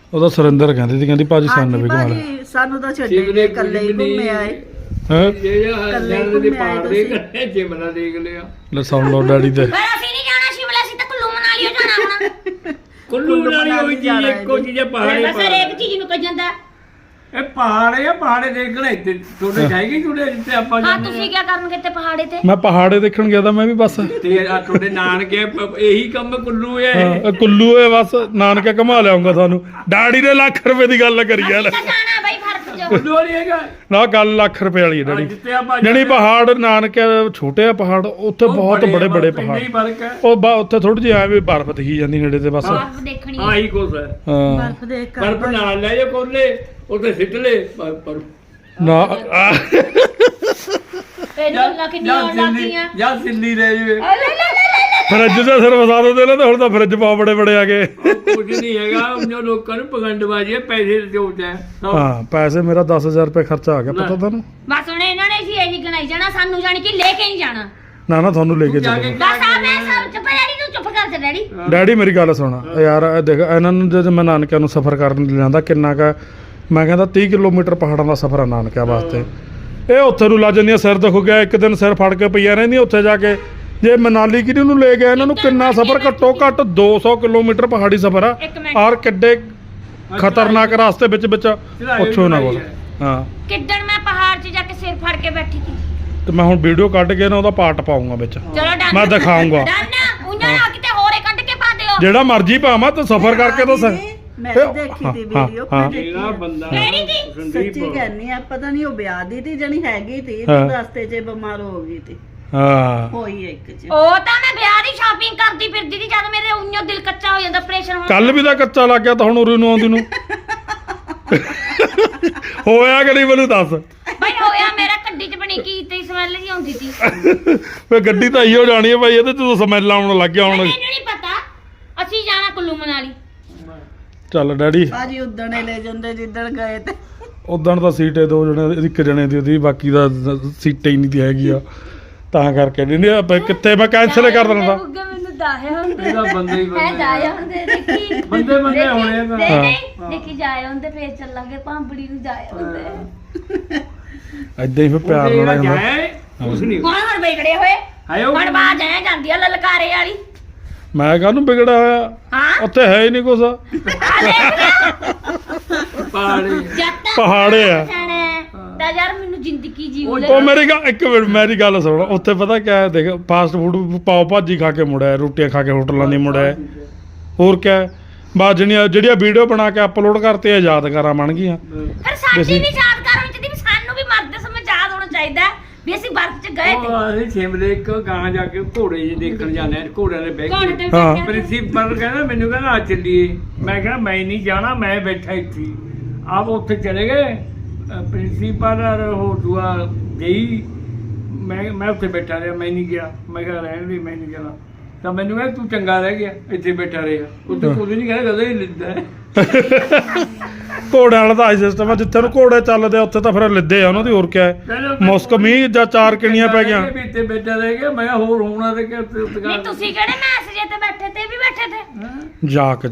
ਉਹਦਾ ਸੁਰਿੰਦਰ ਕਹਿੰਦੀ ਸੀ, ਕਹਿੰਦੀ ਭਾਜੀ ਸਾਨੂੰ ਵੀ ਘੁਮਾ ਲੈ।
ਭਾਜੀ ਸਾਨੂੰ ਤਾਂ ਛੱਡੇ
ਸ਼ਿਵ ਨੇ
ਇਕੱਲੇ ਹੀ ਘੁੰਮੇ ਆਏ।
ਹੈਂ?
ਇਕੱਲੇ
ਜਾਣ ਦੇ
ਘੁੰਮੇ ਆਏ
ਪਹਾੜ ਦੇ
ਤੁਸੀਂ।
ਕੱਟੇ ਜਿਮਲਾ ਦੇਖ ਲਿਆ।
ਲੈ ਸੁਣ ਲਓ ਡੈਡੀ ਤੇ।
ਪਰ ਅਸੀਂ ਨਹੀਂ ਜਾਣਾ ਸ਼ਿਮਲਾ, ਅਸੀਂ ਤਾਂ ਕੁੱਲੂ ਮਨਾਲੀ ਓ ਜਾਣਾ ਹੁਣ।
ਕੁੱਲੂ ਮਨਾਲੀ ਹੋਈ ਚੀਜ਼ ਇੱਕੋ ਚੀਜ਼ ਹੈ, ਪਹਾੜੇ
ਬਸ ਹਰੇਕ ਚੀਜ਼ ਨੂੰ ਕਹੀ ਜਾਂਦਾ।
ਇਹ ਪਹਾੜੇ ਆ, ਪਹਾੜੇ ਦੇਖਣਾ ਇੱਥੇ ਤੁਹਾਡੇ ਜਾਏਗੀ ਤੁਹਾਡੇ ਜਿੱਥੇ ਆਪਾਂ
ਹਾਂ
ਜਾਂਦੇ
ਤੁਸੀਂ ਕੀ ਕਰਨਗੇ ਤੇ ਪਹਾੜੇ ਤੇ?
ਮੈਂ ਪਹਾੜੇ ਦੇਖਣ ਗਿਆ ਤਾਂ ਮੈਂ ਵੀ ਬਸ।
ਤੇ ਆ ਤੁਹਾਡੇ ਨਾਨਕੇ ਇਹੀ ਕੰਮ ਕੁੱਲੂ ਹੈ।
ਹਾਂ ਕੁੱਲੂ ਏ ਬਸ, ਨਾਨਕੇ ਘੁਮਾ ਲਿਆਉਂਗਾ ਤੁਹਾਨੂੰ। ਡੈਡੀ ਨੇ ਲੱਖ ਰੁਪਏ ਦੀ ਗੱਲ ਕਰੀ ਯਾਰ।
ਅਸੀਂ ਤਾਂ ਜਾਣਾ ਬਈ ਫਰਕ ਚ।
ਕੁੱਲੂ ਨਹੀਂ ਹੈਗਾ
ਨਾ ਗੱਲ ਲੱਖ ਰੁਪਏ ਵਾਲੀ ਹੈ ਡੈਡੀ।
ਜਿੱਥੇ ਆਪਾਂ
ਜਿਹੜੀ ਪਹਾੜ ਨਾਨਕੇ ਛੋਟੇ ਆ ਪਹਾੜ, ਉੱਥੇ ਬਹੁਤ ਬੜੇ ਬੜੇ ਪਹਾੜ।
ਹੀ ਫਰਕ ਹੈ।
ਉਹ ਉੱਥੇ ਥੋੜੀ ਜਿਹੀ ਐਵੇਂ ਬਰਫ਼ ਦਿਖੀ ਜਾਂਦੀ ਨੇੜੇ ਤੇ ਬਸ।
ਬਰਫ਼ ਦੇਖਣੀ ਹੈ।
ਆਹੀ ਕੁਛ ਹੈ।
ਹਾਂ
ਬਰਫ਼ ਦੇਖ ਕਰ
ਬਰਫ ਨਾਲ ਲੈ ਜਾ ਕੋਲੇ ਉੱਥੇ ਸਿੱਟ ਲੈ ਪਰ
ਨਾ
ਤੈਨੂੰ ਅੱਲਾ ਕਿੰਨੀ ਆਉਣ ਲੱਗ ਗਈਆਂ।
ਜਾਂ ਦਿੱਲੀ ਲੈ ਜਾਵੇ।
ਲੈ ਲੈ ਲੈ ਲੈ।
ਫਰਿੱਜ ਦੇ ਸਿਰ ਵਸਾ ਦਿੰਦੇ ਨੇ, ਤੇ ਹੁਣ ਤਾਂ ਫਰਿੱਜ ਬਹੁਤ ਬੜੇ ਬੜੇ ਆ ਗਏ।
ਕੁਝ ਨਹੀਂ ਹੈਗਾ, ਜੋ ਲੋਕਾਂ ਨੂੰ ਪਗੰਡਬਾਜ਼ੀ ਹੈ, ਪੈਸੇ ਜੋੜਦਾ ਹੈ।
ਹਾਂ ਪੈਸੇ ਮੇਰਾ 10,000 ਰੁਪਏ ਖਰਚਾ ਆ ਗਿਆ, ਪਤਾ ਤੁਹਾਨੂੰ?
ਬਸ ਹੁਣ ਇਹਨਾਂ ਨੇ ਸੀ ਇਹੀ ਗਣਾਈ ਜਾਣਾ, ਸਾਨੂੰ ਜਾਣੀ ਕਿ ਲੈ ਕੇ ਨਹੀਂ ਜਾਣਾ।
ਨਾ ਤੁਹਾਨੂੰ ਲੈ ਕੇ
ਜਾ ਕੇ
ਚੱਲੋ।
ਬਸ ਆ ਮੈਂ ਸਭ ਚੁੱਪ ਡੈਡੀ ਤੂੰ ਚੁੱਪ ਕਰ ਜਾ ਡੈਡੀ।
ਡੈਡੀ ਮੇਰੀ ਗੱਲ ਸੁਣ ਯਾਰ, ਇਹ ਦੇਖ ਇਹਨਾਂ ਨੂੰ ਜਦੋਂ ਮੈਂ ਨਾਨਕਿਆਂ ਨੂੰ ਸਫ਼ਰ ਕਰਨ ਜਾਂਦਾ ਕਿੰਨਾ ਕੁ, ਮੈਂ ਕਹਿੰਦਾ 30 ਕਿਲੋਮੀਟਰ ਪਹਾੜਾਂ ਦਾ ਸਫ਼ਰ ਆ ਨਾਨਕਿਆਂ ਵਾਸਤੇ। ਇਹ ਉੱਥੇ ਨੂੰ ਲਾ ਜਾਂਦੀਆਂ, ਸਿਰ ਦੁਖ ਗਿਆ ਇੱਕ ਦਿਨ, ਸਿਰ ਫੜ ਕੇ ਪਈਆਂ ਰਹਿੰਦੀਆਂ ਉੱਥੇ ਜਾ ਕੇ। ਜੇ ਮਨਾਲੀ ਕਿਹਨੂੰ ਨੂੰ ਲੈ ਗਿਆ, ਇਹਨਾਂ ਨੂੰ ਕਿੰਨਾ ਸਫ਼ਰ, ਘੱਟੋ ਘੱਟ 200 ਕਿਲੋਮੀਟਰ ਪਹਾੜੀ ਸਫ਼ਰ ਆ।
ਇੱਕ ਮਿੰਟ।
ਔਰ ਕਿੱਡੇ ਖਤਰਨਾਕ ਰਾਸਤੇ ਵਿੱਚ ਪੁੱਛੋ ਨਾ ਕੋਲ। ਹਾਂ
ਕਿੱਦਣ ਮੈਂ ਪਹਾੜ 'ਚ ਜਾ ਕੇ ਸਿਰ ਫੜ ਕੇ ਬੈਠੀ ਸੀ।
ਤੇ ਮੈਂ ਹੁਣ ਵੀਡੀਓ ਕੱਢ ਕੇ ਨਾ ਉਹਦਾ ਪਾਰਟ ਪਾਉਂਗਾ ਵਿੱਚ,
ਚਲੋ ਡਨ।
ਮੈਂ ਦਿਖਾਊਂਗਾ।
ਡਨ ਉਹਨਾਂ ਨਾਲ ਕਿਤੇ ਹੋਰੇ ਕੱਢ ਕੇ ਪਾ ਦਿਓ।
ਜਿਹੜਾ ਮਰਜ਼ੀ ਭਾਵਾਂ ਤੇ ਸਫ਼ਰ ਕਰਕੇ ਤਾਂ
ਮੈਂ ਵੀ ਦੇਖੀ ਤੀ ਵੀਡੀਓ।
ਹਾਂ।
ਜਿਹੜਾ ਬੰਦਾ
ਕਿਹੜੀ ਦੀ?
ਸੱਚੀ ਕਹਿੰਨੀ ਆ, ਪਤਾ ਨਹੀਂ ਉਹ ਵਿਆਹ ਦੀ ਤੀ ਜਣੀ ਹੈਗੀ ਤੀ,
ਹਾਂ।
ਰਸਤੇ 'ਚ ਬਿਮਾਰ ਹੋ ਗਈ ਤੀ,
ਹਾਂ
ਹੋਈ ਇੱਕ 'ਚ।
ਉਹ ਤਾਂ ਮੈਂ ਵਿਆਹ ਦੀ ਸ਼ਾਪਿੰਗ ਕਰਦੀ ਫਿਰਦੀ ਸੀ, ਜਦ ਮੇਰੇ ਉਈਓ ਦਿਲ ਕੱਚਾ ਹੋ ਜਾਂਦਾ, ਆਪਰੇਸ਼ਨ ਹੋਣ।
ਕੱਲ ਵੀ ਤਾਂ ਕੱਚਾ ਲੱਗ ਗਿਆ, ਤਾਂ ਹੁਣ ਉਰੇ ਨੂੰ ਆਉਂਦੀ ਨੂੰ ਹੋਇਆ ਕਿ ਨਹੀਂ ਮੈਨੂੰ ਦੱਸ।
ਬਈ ਹੋਇਆ ਮੇਰਾ ਕੱਡੀ 'ਚ ਬਣੀ ਕੀ ਤੇ ਸਮੈਲ ਜੀ ਆਉਂਦੀ ਸੀ।
ਵੇ ਗੱਡੀ ਤਾਂ ਇਹੋ ਜਾਣੀ ਹੈ ਭਾਈ, ਇਹਦੇ ਚ ਤਾਂ ਸਮੈਲ ਆਉਣ ਲੱਗ ਗਿਆ ਹੁਣ।
ਮੈਨੂੰ ਨਹੀਂ ਪਤਾ, ਅਸੀਂ ਜਾਣਾ ਕੁੱਲੂ ਮਨਾਲੀ।
ਚੱਲ ਡੈਡੀ,
ਭਾਜੀ ਉਦਣ ਹੀ ਲੈ ਜਾਂਦੇ ਜਿੱਦਣ ਗਏ ਤੇ।
ਉਦਣ ਤਾਂ ਸੀਟੇ ਦੋ ਜਣੇ, ਇੱਕ ਜਣੇ ਦੀ ਉਹਦੀ, ਬਾਕੀ ਦਾ ਸੀਟੇ ਹੀ ਨਹੀਂ ਦੀ ਹੈਗੀ ਆ, ਤਾਂ ਕਰਕੇ ਨਹੀਂ ਆਪਾਂ ਕਿੱਥੇ ਮੈਂ ਕੈਂਸਲ ਕਰ ਦਿੰਦਾ।
ਬੁੱਗੇ ਮੈਨੂੰ ਦਾਇਆ ਹੁੰਦੇ
ਇਹਦਾ ਬੰਦੇ ਹੀ
ਹੈ,
ਬੰਦੇ
ਜਾਇਆ ਹੁੰਦੇ ਦੇਖੀ
ਬੰਦੇ ਬੰਦੇ ਹੋਣੇ ਆ ਤਾਂ।
ਨਹੀਂ
ਹਾਂ।
ਨਹੀਂ ਦੇਖੀ ਜਾਇਆ ਹੁੰਦੇ, ਫੇਰ ਚੱਲਾਂਗੇ ਭਾਂਬੜੀ ਨੂੰ ਜਾਇਆ ਹੁੰਦੇ।
ਏਦਾਂ ਹੀ ਫਿਰ ਪਿਆਰ ਨਾਲ ਆਇਆ ਹੁੰਦਾ।
ਕੁਛ ਨਹੀਂ
ਹੁਣ ਵਿਗੜੇ ਹੋਏ,
ਆਇਓ
ਹੁਣ ਬਾਜ ਆਇਆ ਜਾਂਦੀ ਆ ਲਲਕਾਰੇ ਵਾਲੀ।
ਮੈਂ ਕਾਹਨੂੰ ਵਿਗੜਿਆ ਹੋਇਆ,
ਹਾਂ
ਉੱਥੇ ਹੈ ਹੀ ਨਹੀਂ ਕੁਛ,
ਆ ਦੇਖ ਲਿਆ
ਪਹਾੜੇ
ਜੱਟ
ਪਹਾੜੇ ਆ।
ਤਾਂ ਯਾਰ ਮੈਨੂੰ ਜ਼ਿੰਦਗੀ ਜੀਉ ਲੈ।
ਉਹ ਮੇਰੀ ਗੱਲ, ਇੱਕ ਮਿੰਟ ਮੇਰੀ ਗੱਲ ਸੁਣ, ਉੱਥੇ ਪਤਾ ਕਿਆ ਹੈ, ਦੇਖ ਫਾਸਟ ਫੂਡ ਪਾਓ ਭਾਜੀ ਖਾ ਕੇ ਮੁੜਿਆ, ਰੋਟੀਆਂ ਖਾ ਕੇ ਹੋਟਲਾਂ ਦੀ ਮੁੜਿਆ, ਹੋਰ ਕਿਆ ਹੈ? ਬਸ ਜਿਹੜੀਆਂ ਵੀਡੀਓ ਬਣਾ ਕੇ ਅਪਲੋਡ ਕਰਤੇ ਆ, ਯਾਦਗਾਰਾਂ ਬਣ ਗਈਆਂ।
ਫਿਰ ਸਾਡੀ ਵੀ ਯਾਦਗਾਰ ਹੋਣੀ ਚਾਹੀਦੀ, ਵੀ ਸਾਨੂੰ ਵੀ ਮਰਦੇ ਸਮੇਂ ਯਾਦ ਹੋਣਾ ਚਾਹੀਦਾ ਵੀ ਅਸੀਂ ਬਰਫ਼ 'ਚ ਗਏ ਤੇ।
ਅਸੀਂ ਸ਼ਿਮਲੇ ਇੱਕ ਗਾਂ ਜਾ ਕੇ ਘੋੜੇ ਜਿਹੇ ਦੇਖਣ ਜਾਂਦੇ ਆ, ਘੋੜਿਆਂ ਦੇ ਬਹਿ
ਕੌਣ
ਕੇ।
ਤੇ
ਹਾਂ।
ਬੈਠਿਆ?
ਪ੍ਰਿੰਸੀਪਲ ਕਹਿੰਦਾ, ਮੈਨੂੰ ਕਹਿੰਦਾ ਆ ਚੱਲੀਏ। ਮੈਂ ਕਿਹਾ ਮੈਂ ਨਹੀਂ ਜਾਣਾ, ਮੈਂ ਬੈਠਾ ਇੱਥੇ। ਆਪ ਉੱਥੇ ਚਲੇ ਗਏ ਪ੍ਰਿੰਸੀਪਲ ਔਰ ਉਹ ਦੂਆ ਗਈ, ਮੈਂ ਉੱਥੇ ਬੈਠਾ ਰਿਹਾ, ਮੈਂ ਨਹੀਂ ਗਿਆ। ਮੈਂ ਕਿਹਾ ਰਹਿਣ ਦੀ, ਮੈਂ ਨਹੀਂ ਜਾਣਾ। ਤਾਂ ਮੈਨੂੰ ਕਹਿੰਦਾ ਤੂੰ ਚੰਗਾ ਰਹਿ ਗਿਆ, ਇੱਥੇ ਬੈਠਾ ਰਿਹਾ। ਉੱਥੇ ਕੁਝ ਨਹੀਂ ਕਹਿੰਦਾ, ਕਦੇ ਹੀ ਲਿੱਦਾ ਹੈ।
ਘੋੜਿਆਂ ਵਾਲਾ ਤਾਂ ਆਈ ਸਿਸਟਮ ਆ, ਜਿੱਥੇ ਨੂੰ ਘੋੜੇ ਚੱਲਦੇ ਆ ਉੱਥੇ ਤਾਂ ਫਿਰ ਲਿੱਦੇ ਆ ਉਹਨਾਂ ਦੀ, ਹੋਰ ਕਿਆ ਹੈ? ਮੁਸਕ ਮੀਂਹ ਜਾਂ 4 ਕਿਣੀਆਂ ਪੈ ਗਈਆਂ।
ਵੀ ਇੱਥੇ ਬੈਠਾ ਰਹਿ ਗਿਆ। ਮੈਂ ਕਿਹਾ ਹੋਰ ਹੋਣਾ ਤੇ ਕਿ
ਨਹੀਂ ਤੁਸੀਂ ਕਿਹੜੇ ਮੈਸੇਜ ਤੇ ਬੈਠੇ ਤੇ ਵੀ ਬੈਠੇ ਤੇ
ਜਾਕ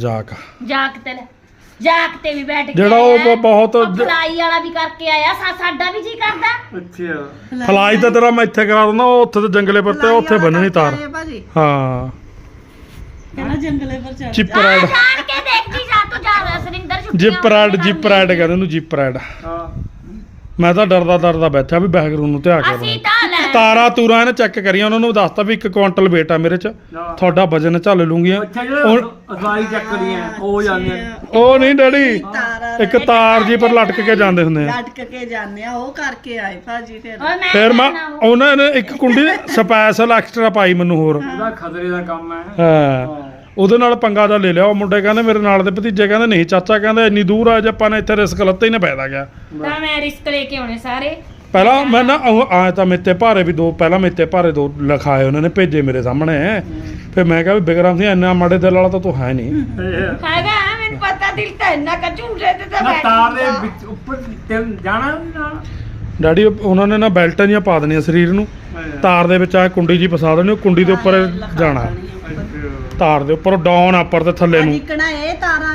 ਜਾਕ ਤੇ ਵੀ ਬੈਠ ਕੇ
ਜਿਹੜਾ ਉਹ
ਆਇਆ।
ਬਹੁਤ
ਉਹ ਫਲਾਈ ਵਾਲਾ ਵੀ ਕਰਕੇ ਆਇਆ, ਸਾਡਾ ਵੀ ਜੀ ਕਰਦਾ।
ਅੱਛਾ
ਫਲਾਈ ਤਾਂ ਤੇਰਾ ਮੈਂ ਇੱਥੇ ਕਰਾ ਦਿੰਦਾ, ਉਹ ਉੱਥੇ ਤੇ ਜੰਗਲੇ ਪਰ ਤੇ ਉੱਥੇ ਬੰਨਣੀ ਤਾਰ।
ਭਾਜੀ
ਹਾਂ
ਕਹਿੰਦਾ ਜੰਗਲੇ ਪਰ ਚੜ
ਜਿਪ
ਆ
ਰਾਈਡ,
ਜਾਣ ਕੇ ਦੇਖਦੀ ਜਾ ਤੂੰ ਜਾ ਸਰਿੰਦਰ ਛੁੱਟੀਆਂ
ਜਿਪ ਰਾਈਡ ਕਹਿੰਦੇ ਉਹਨੂੰ, ਜਿਪ ਰਾਈਡ।
ਹਾਂ
ਮੈਂ ਤਾਂ ਡਰਦਾ ਬੈਠਾ ਵੀ ਬੈਕਗ੍ਰਾਉਂਡ ਨੂੰ ਧਿਆ ਕੇ
ਅਸੀਂ ਤਾਂ ਲੈ
ਤਾਰਾਂ ਤੂਰਾਂ ਇਹਨੇ ਚੈੱਕ ਕਰੀਆਂ, ਉਹਨਾਂ ਨੂੰ ਦੱਸਤਾ ਵੀ 1 ਕੁਆਂਟਲ weight ਆ ਮੇਰੇ ਚ, ਤੁਹਾਡਾ ਵਜਨ ਝੱਲ ਲੂੰਗੀ।
ਅੱਛਾ ਜਿਹੜਾ ਅਸਲਾਈ ਚੱਕਦੀਆਂ ਉਹ ਜਾਂਦੇ ਨੇ।
ਉਹ ਨਹੀਂ ਡੈਡੀ,
ਤਾਰਾਂ
ਇੱਕ ਤਾਰ ਜੀ ਪਰ ਲਟਕ ਕੇ ਜਾਂਦੇ ਹੁੰਦੇ ਆ।
ਲਟਕ ਕੇ ਜਾਂਦੇ ਆ, ਉਹ ਕਰਕੇ ਆਏ ਭਾਜੀ ਫਿਰ।
ਓਏ ਮੈਂ
ਫਿਰ ਮੈਂ
ਜਾਣਾ ਉਹ।
ਉਹਨਾਂ ਨੇ ਇੱਕ ਕੁੰਡੀ ਸਪੈਸ਼ਲ ਐਕਸਟਰਾ ਪਾਈ ਮੈਨੂੰ ਹੋਰ।
ਉਹਦਾ ਖਤਰੇ ਦਾ ਕੰਮ ਹੈ।
ਹਾਂ ਉਹਦੇ ਨਾਲ ਪੰਗਾ ਦਾ ਲੈ ਲਿਆ। ਉਹ ਮੁੰਡੇ ਕਹਿੰਦੇ, ਮੇਰੇ ਨਾਲ ਦੇ ਭਤੀਜੇ ਕਹਿੰਦੇ ਨਹੀਂ ਚਾਚਾ, ਕਹਿੰਦੇ ਇੰਨੀ ਦੂਰ ਆ, ਜੇ ਆਪਾਂ ਨੇ ਇੱਥੇ ਰਿਸਕ ਲੱਤੇ ਹੀ ਨਾ ਪੈਦਾ ਗਿਆ।
ਤਾਂ ਮੈਂ ਰਿਸਕ ਲੈ ਕੇ ਆਉਣੇ ਸਾਰੇ।
ਪਹਿਲਾਂ ਮੈਂ ਨਾ ਆਏ ਤਾਂ ਮੇਤੇ ਭਾਰੇ ਵੀ ਦੋ, ਪਹਿਲਾਂ ਮੇਤੇ ਭਾਰੇ 2 ਲਿਖਾਏ ਉਹਨਾਂ ਨੇ, ਭੇਜੇ ਮੇਰੇ ਸਾਹਮਣੇ। ਫਿਰ ਮੈਂ ਕਿਹਾ ਵੀ ਬਿਕਰਮ ਸਿੰਘ ਇੰਨਾ ਮਾੜੇ ਦਿਲ ਵਾਲਾ ਤਾਂ ਤੂੰ ਹੈ ਨਹੀਂ।
ਹੈਗਾ ਮੈਨੂੰ ਪਤਾ, ਦਿਲ ਤਾਂ ਇੰਨਾ ਕਚੂਰੇ ਤੇ ਤਾਂ
ਨਾ
ਬੈਠ
ਤਾਰ ਦੇ ਵਿੱਚ ਉੱਪਰ ਤੇ ਜਾਣਾ ਨਾਲ।
ਡੈਡੀ ਉਹਨਾਂ ਨੇ ਨਾ ਬੈਲਟਾਂ ਜੀਆਂ ਪਾ ਦੇਣੀਆਂ ਸਰੀਰ ਨੂੰ, ਤਾਰ ਦੇ ਵਿੱਚ ਆ ਕੁੰਡੀ ਜੀ ਫਸਾ ਦੇਣੀ, ਉਹ ਕੁੰਡੀ ਦੇ ਉੱਪਰ ਜਾਣਾ, ਤਾਰ ਦੇ ਉੱਪਰ ਡਾਊਨ ਉੱਪਰ ਤੇ ਥੱਲੇ ਨੂੰ।
ਨਿਕਣਾ ਇਹ ਤਾਰਾਂ ਇਹਲੇ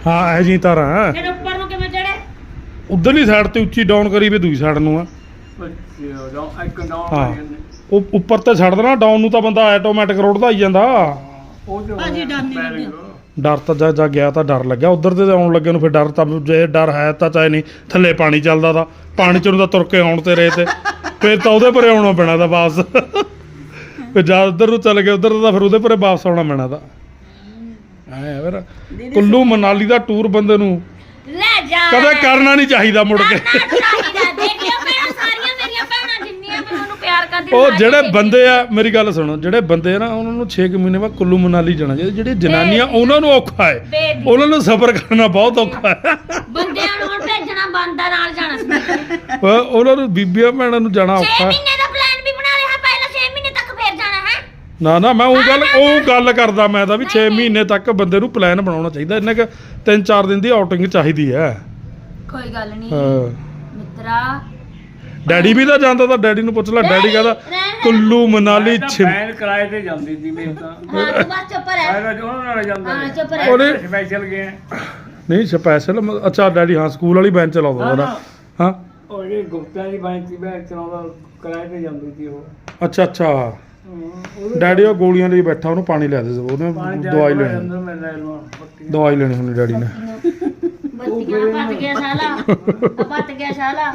ਹਾਂ ਇਹ ਜੀ ਤਾਰਾਂ
ਫਿਰ ਉੱਪਰ ਨੂੰ ਕਿਵੇਂ ਚੜੇ?
ਉਧਰਲੀ ਸਾਈਡ ਤੇ ਉੱਚੀ ਡਾਊਨ ਕਰੀ ਵੀ ਦੂਜੀ ਸਾਈਡ ਨੂੰ ਆ
ਇੱਕ ਨੌ
ਹਾਂ ਉਹ ਉੱਪਰ ਤੇ ਛੱਡ ਦੇਣਾ ਡਾਊਨ ਨੂੰ ਤਾਂ ਬੰਦਾ ਆਟੋਮੈਟਿਕ ਰੋੜਦਾ ਹੀ ਜਾਂਦਾ
ਉਹ ਜੋ
ਭਾਜੀ ਡਰ ਨਹੀਂ ਲੱਗਿਆ।
ਡਰ ਤਾਂ ਜਾ ਗਿਆ ਤਾਂ ਡਰ ਲੱਗਿਆ ਉਧਰ ਤੇ ਆਉਣ ਲੱਗੇ ਨੂੰ ਫਿਰ ਡਰ ਤਾਂ ਜੇ ਡਰ ਹੈ ਤਾਂ ਚਾਹੇ ਨਹੀਂ ਥੱਲੇ ਪਾਣੀ ਚੱਲਦਾ ਤਾਂ ਪਾਣੀ ਚੋਂ ਤਾਂ ਤੁਰ ਕੇ ਆਉਣ ਤੇ ਰਹੇ ਤੇ ਫਿਰ ਤਾਂ ਉਹਦੇ ਪਰੇ ਆਉਣਾ ਪੈਣਾ ਤਾਂ ਵਾਪਸ ਫਿਰ ਜਦ ਉਧਰ ਨੂੰ ਚੱਲ ਗਏ ਉਧਰ ਤਾਂ ਫਿਰ ਉਹਦੇ ਪਰੇ ਵਾਪਸ ਆਉਣਾ ਪੈਣਾ ਤਾਂ ਐ ਫਿਰ ਕੁੱਲੂ ਮਨਾਲੀ ਦਾ ਟੂਰ ਬੰਦੇ ਨੂੰ
ਲੈ ਜਾ
ਕਦੇ ਕਰਨਾ ਨਹੀਂ ਚਾਹੀਦਾ ਮੁੜ ਕੇ
ਕਰਨਾ ਚਾਹੀਦਾ। ਦੇਖਿਓ ਭੈਣਾਂ, ਸਾਰੀਆਂ ਮੇਰੀਆਂ ਭੈਣਾਂ ਜਿੰਨੀਆਂ ਵੀ ਮੈਨੂੰ ਪਿਆਰ ਕਰਦੀਆਂ
ਉਹ
ਨੇ,
ਜਿਹੜੇ
ਦੇਖਿਓ।
ਬੰਦੇ ਆ ਮੇਰੀ ਗੱਲ ਸੁਣੋ ਜਿਹੜੇ ਬੰਦੇ ਆ ਨਾ ਉਹਨਾਂ ਨੂੰ 6 ਮਹੀਨੇ ਬਾਅਦ ਕੁੱਲੂ ਮਨਾਲੀ ਜਾਣਾ ਚਾਹੀਦਾ ਜਿਹੜੀ ਜਨਾਨੀਆਂ ਉਹਨਾਂ ਨੂੰ ਔਖਾ ਹੈ
ਬੇਬੀ।
ਉਹਨਾਂ ਨੂੰ ਸਫ਼ਰ ਕਰਨਾ ਬਹੁਤ ਔਖਾ ਹੈ
ਬੰਦਿਆਂ ਨੂੰ ਹੁਣ ਭੇਜਣਾ ਬੰਦਾ ਨਾਲ ਜਾਣਾ ਸੀ।
ਉਹਨਾਂ ਨੂੰ ਬੀਬੀਆਂ ਭੈਣਾਂ ਨੂੰ ਜਾਣਾ
6
ਔਖਾ ਹੈ
ਮਹੀਨੇ ਦਾ ਪਲਾਨ ਵੀ ਬਣਾ ਲਿਆ ਪਹਿਲਾਂ 6 ਮਹੀਨੇ ਤੱਕ ਫੇਰ ਜਾਣਾ ਹੈ।
ਨਾ ਮੈਂ ਉਹ ਗੱਲ ਕਰਦਾ ਮੈਂ ਤਾਂ ਵੀ 6 ਮਹੀਨੇ ਤੱਕ ਬੰਦੇ ਨੂੰ ਪਲਾਨ ਬਣਾਉਣਾ ਚਾਹੀਦਾ ਇੰਨੇ ਕੁ 3-4 ਦਿਨ ਦੀ ਆਊਟਿੰਗ ਚਾਹੀਦੀ ਹੈ
ਕੋਈ ਗੱਲ ਨਹੀਂ
ਹਾਂ
ਮਿੱਤਰਾ।
ਡੈਡੀ ਵੀ ਤਾਂ ਜਾਂਦਾ ਤਾਂ ਡੈਡੀ ਨੂੰ ਪੁੱਛ ਲੈ ਡੈਡੀ ਕਹਿੰਦਾ ਕੁੱਲੂ ਮਨਾਲੀ
ਬੈਨ ਕਿਰਾਏ ਤੇ ਜਾਂਦੀ ਸੀ ਮੇਰੇ ਤਾਂ
ਹਾਂ ਤੂੰ ਬਸ ਚੁੱਪ ਰਹਿ।
ਮੈਂ ਤਾਂ ਉਹਨਾਂ ਨਾਲ ਜਾਂਦਾ
ਹਾਂ
ਸੀ।
ਚੁੱਪ ਰਹਿ।
ਉਹਨੇ
ਸਪੈਸ਼ਲ ਗਏ
ਨਹੀਂ ਸਪੈਸ਼ਲ ਅੱਛਾ ਡੈਡੀ ਹਾਂ ਸਕੂਲ ਵਾਲੀ ਬੈਂਚ ਚਲਾਉਂਦਾ ਉਹਦਾ ਹਾਂ
ਉਹ ਜਿਹੜੀ ਗੁਪਤਾ ਦੀ ਬਾਈਕ ਸੀ ਮੈਂ ਚਲਾਉਂਦਾ ਕਿਰਾਏ ਤੇ ਜਾਂਦੀ ਸੀ ਉਹ
ਅੱਛਾ ਡੈਡੀ ਉਹ ਗੋਲੀਆਂ ਲਈ ਬੈਠਾ ਉਹਨੂੰ ਪਾਣੀ ਲੈ ਦੇ ਉਹਨੇ ਦਵਾਈ ਲੈਣੀ
ਅੰਦਰ ਮੈਂ ਲੈ ਲਵਾਂ ਪੱਟੀ
ਦਵਾਈ ਲੈਣੀ ਹੁੰਦੀ ਡੈਡੀ ਨੇ
ਬੱਤੀਆਂ ਪੱਤ ਗਿਆ ਸਾਲਾ ਪੱਤ ਗਿਆ ਸਾਲਾ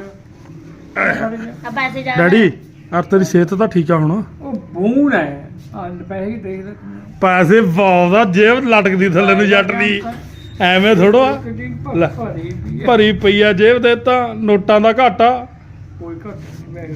ਆ ਪੈਸੇ ਜਾ
ਡੈਡੀ ਯਾਰ ਤੇਰੀ ਸਿਹਤ ਤਾਂ ਠੀਕ ਆ ਹੁਣ
ਉਹ ਬੂਨ ਹੈ ਪੈਸੇ ਹੀ ਦੇਖ ਲੈ
ਪੈਸੇ ਪਾਉਂਦਾ ਜੇਬ ਲਟਕਦੀ ਥੱਲੇ ਨੂੰ ਜੱਟ ਦੀ ਐਵੇਂ ਥੋੜੋ ਆ
ਕਿੰਨੀ
ਲੈ।
ਭਾਰੀ ਵੀ ਹੈ।
ਭਰੀ ਪਈ ਆ ਜੇਬ ਦੇ ਤਾਂ ਨੋਟਾਂ ਦਾ ਘਾਟਾ
ਕੋਈ ਘੱਟ ਨਹੀਂ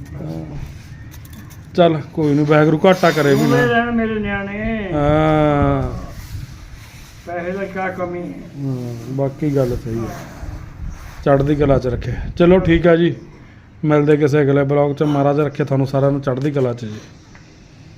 ਚੱਲ ਕੋਈ ਨਹੀਂ ਵਾਹਿਗੁਰੂ ਘਾਟਾ ਕਰੇ ਵੀ ਨਾ
ਰਹਿਣ ਮੇਰੇ ਨਿਆਣੇ
ਹਾਂ
ਪੈਸੇ ਦਾ ਕਿਆ ਕਮੀ ਹੈ
ਬਾਕੀ ਗੱਲ ਸਹੀ ਹੈ ਚੜ੍ਹਦੀ ਕਲਾ 'ਚ ਰੱਖੇ ਚਲੋ ਠੀਕ ਆ ਜੀ ਮਿਲਦੇ ਕਿਸੇ ਅਗਲੇ ਬਲੌਗ 'ਚ ਮਹਾਰਾਜ ਰੱਖੇ ਤੁਹਾਨੂੰ ਸਾਰਿਆਂ ਨੂੰ ਚੜ੍ਹਦੀ ਕਲਾ 'ਚ ਜੀ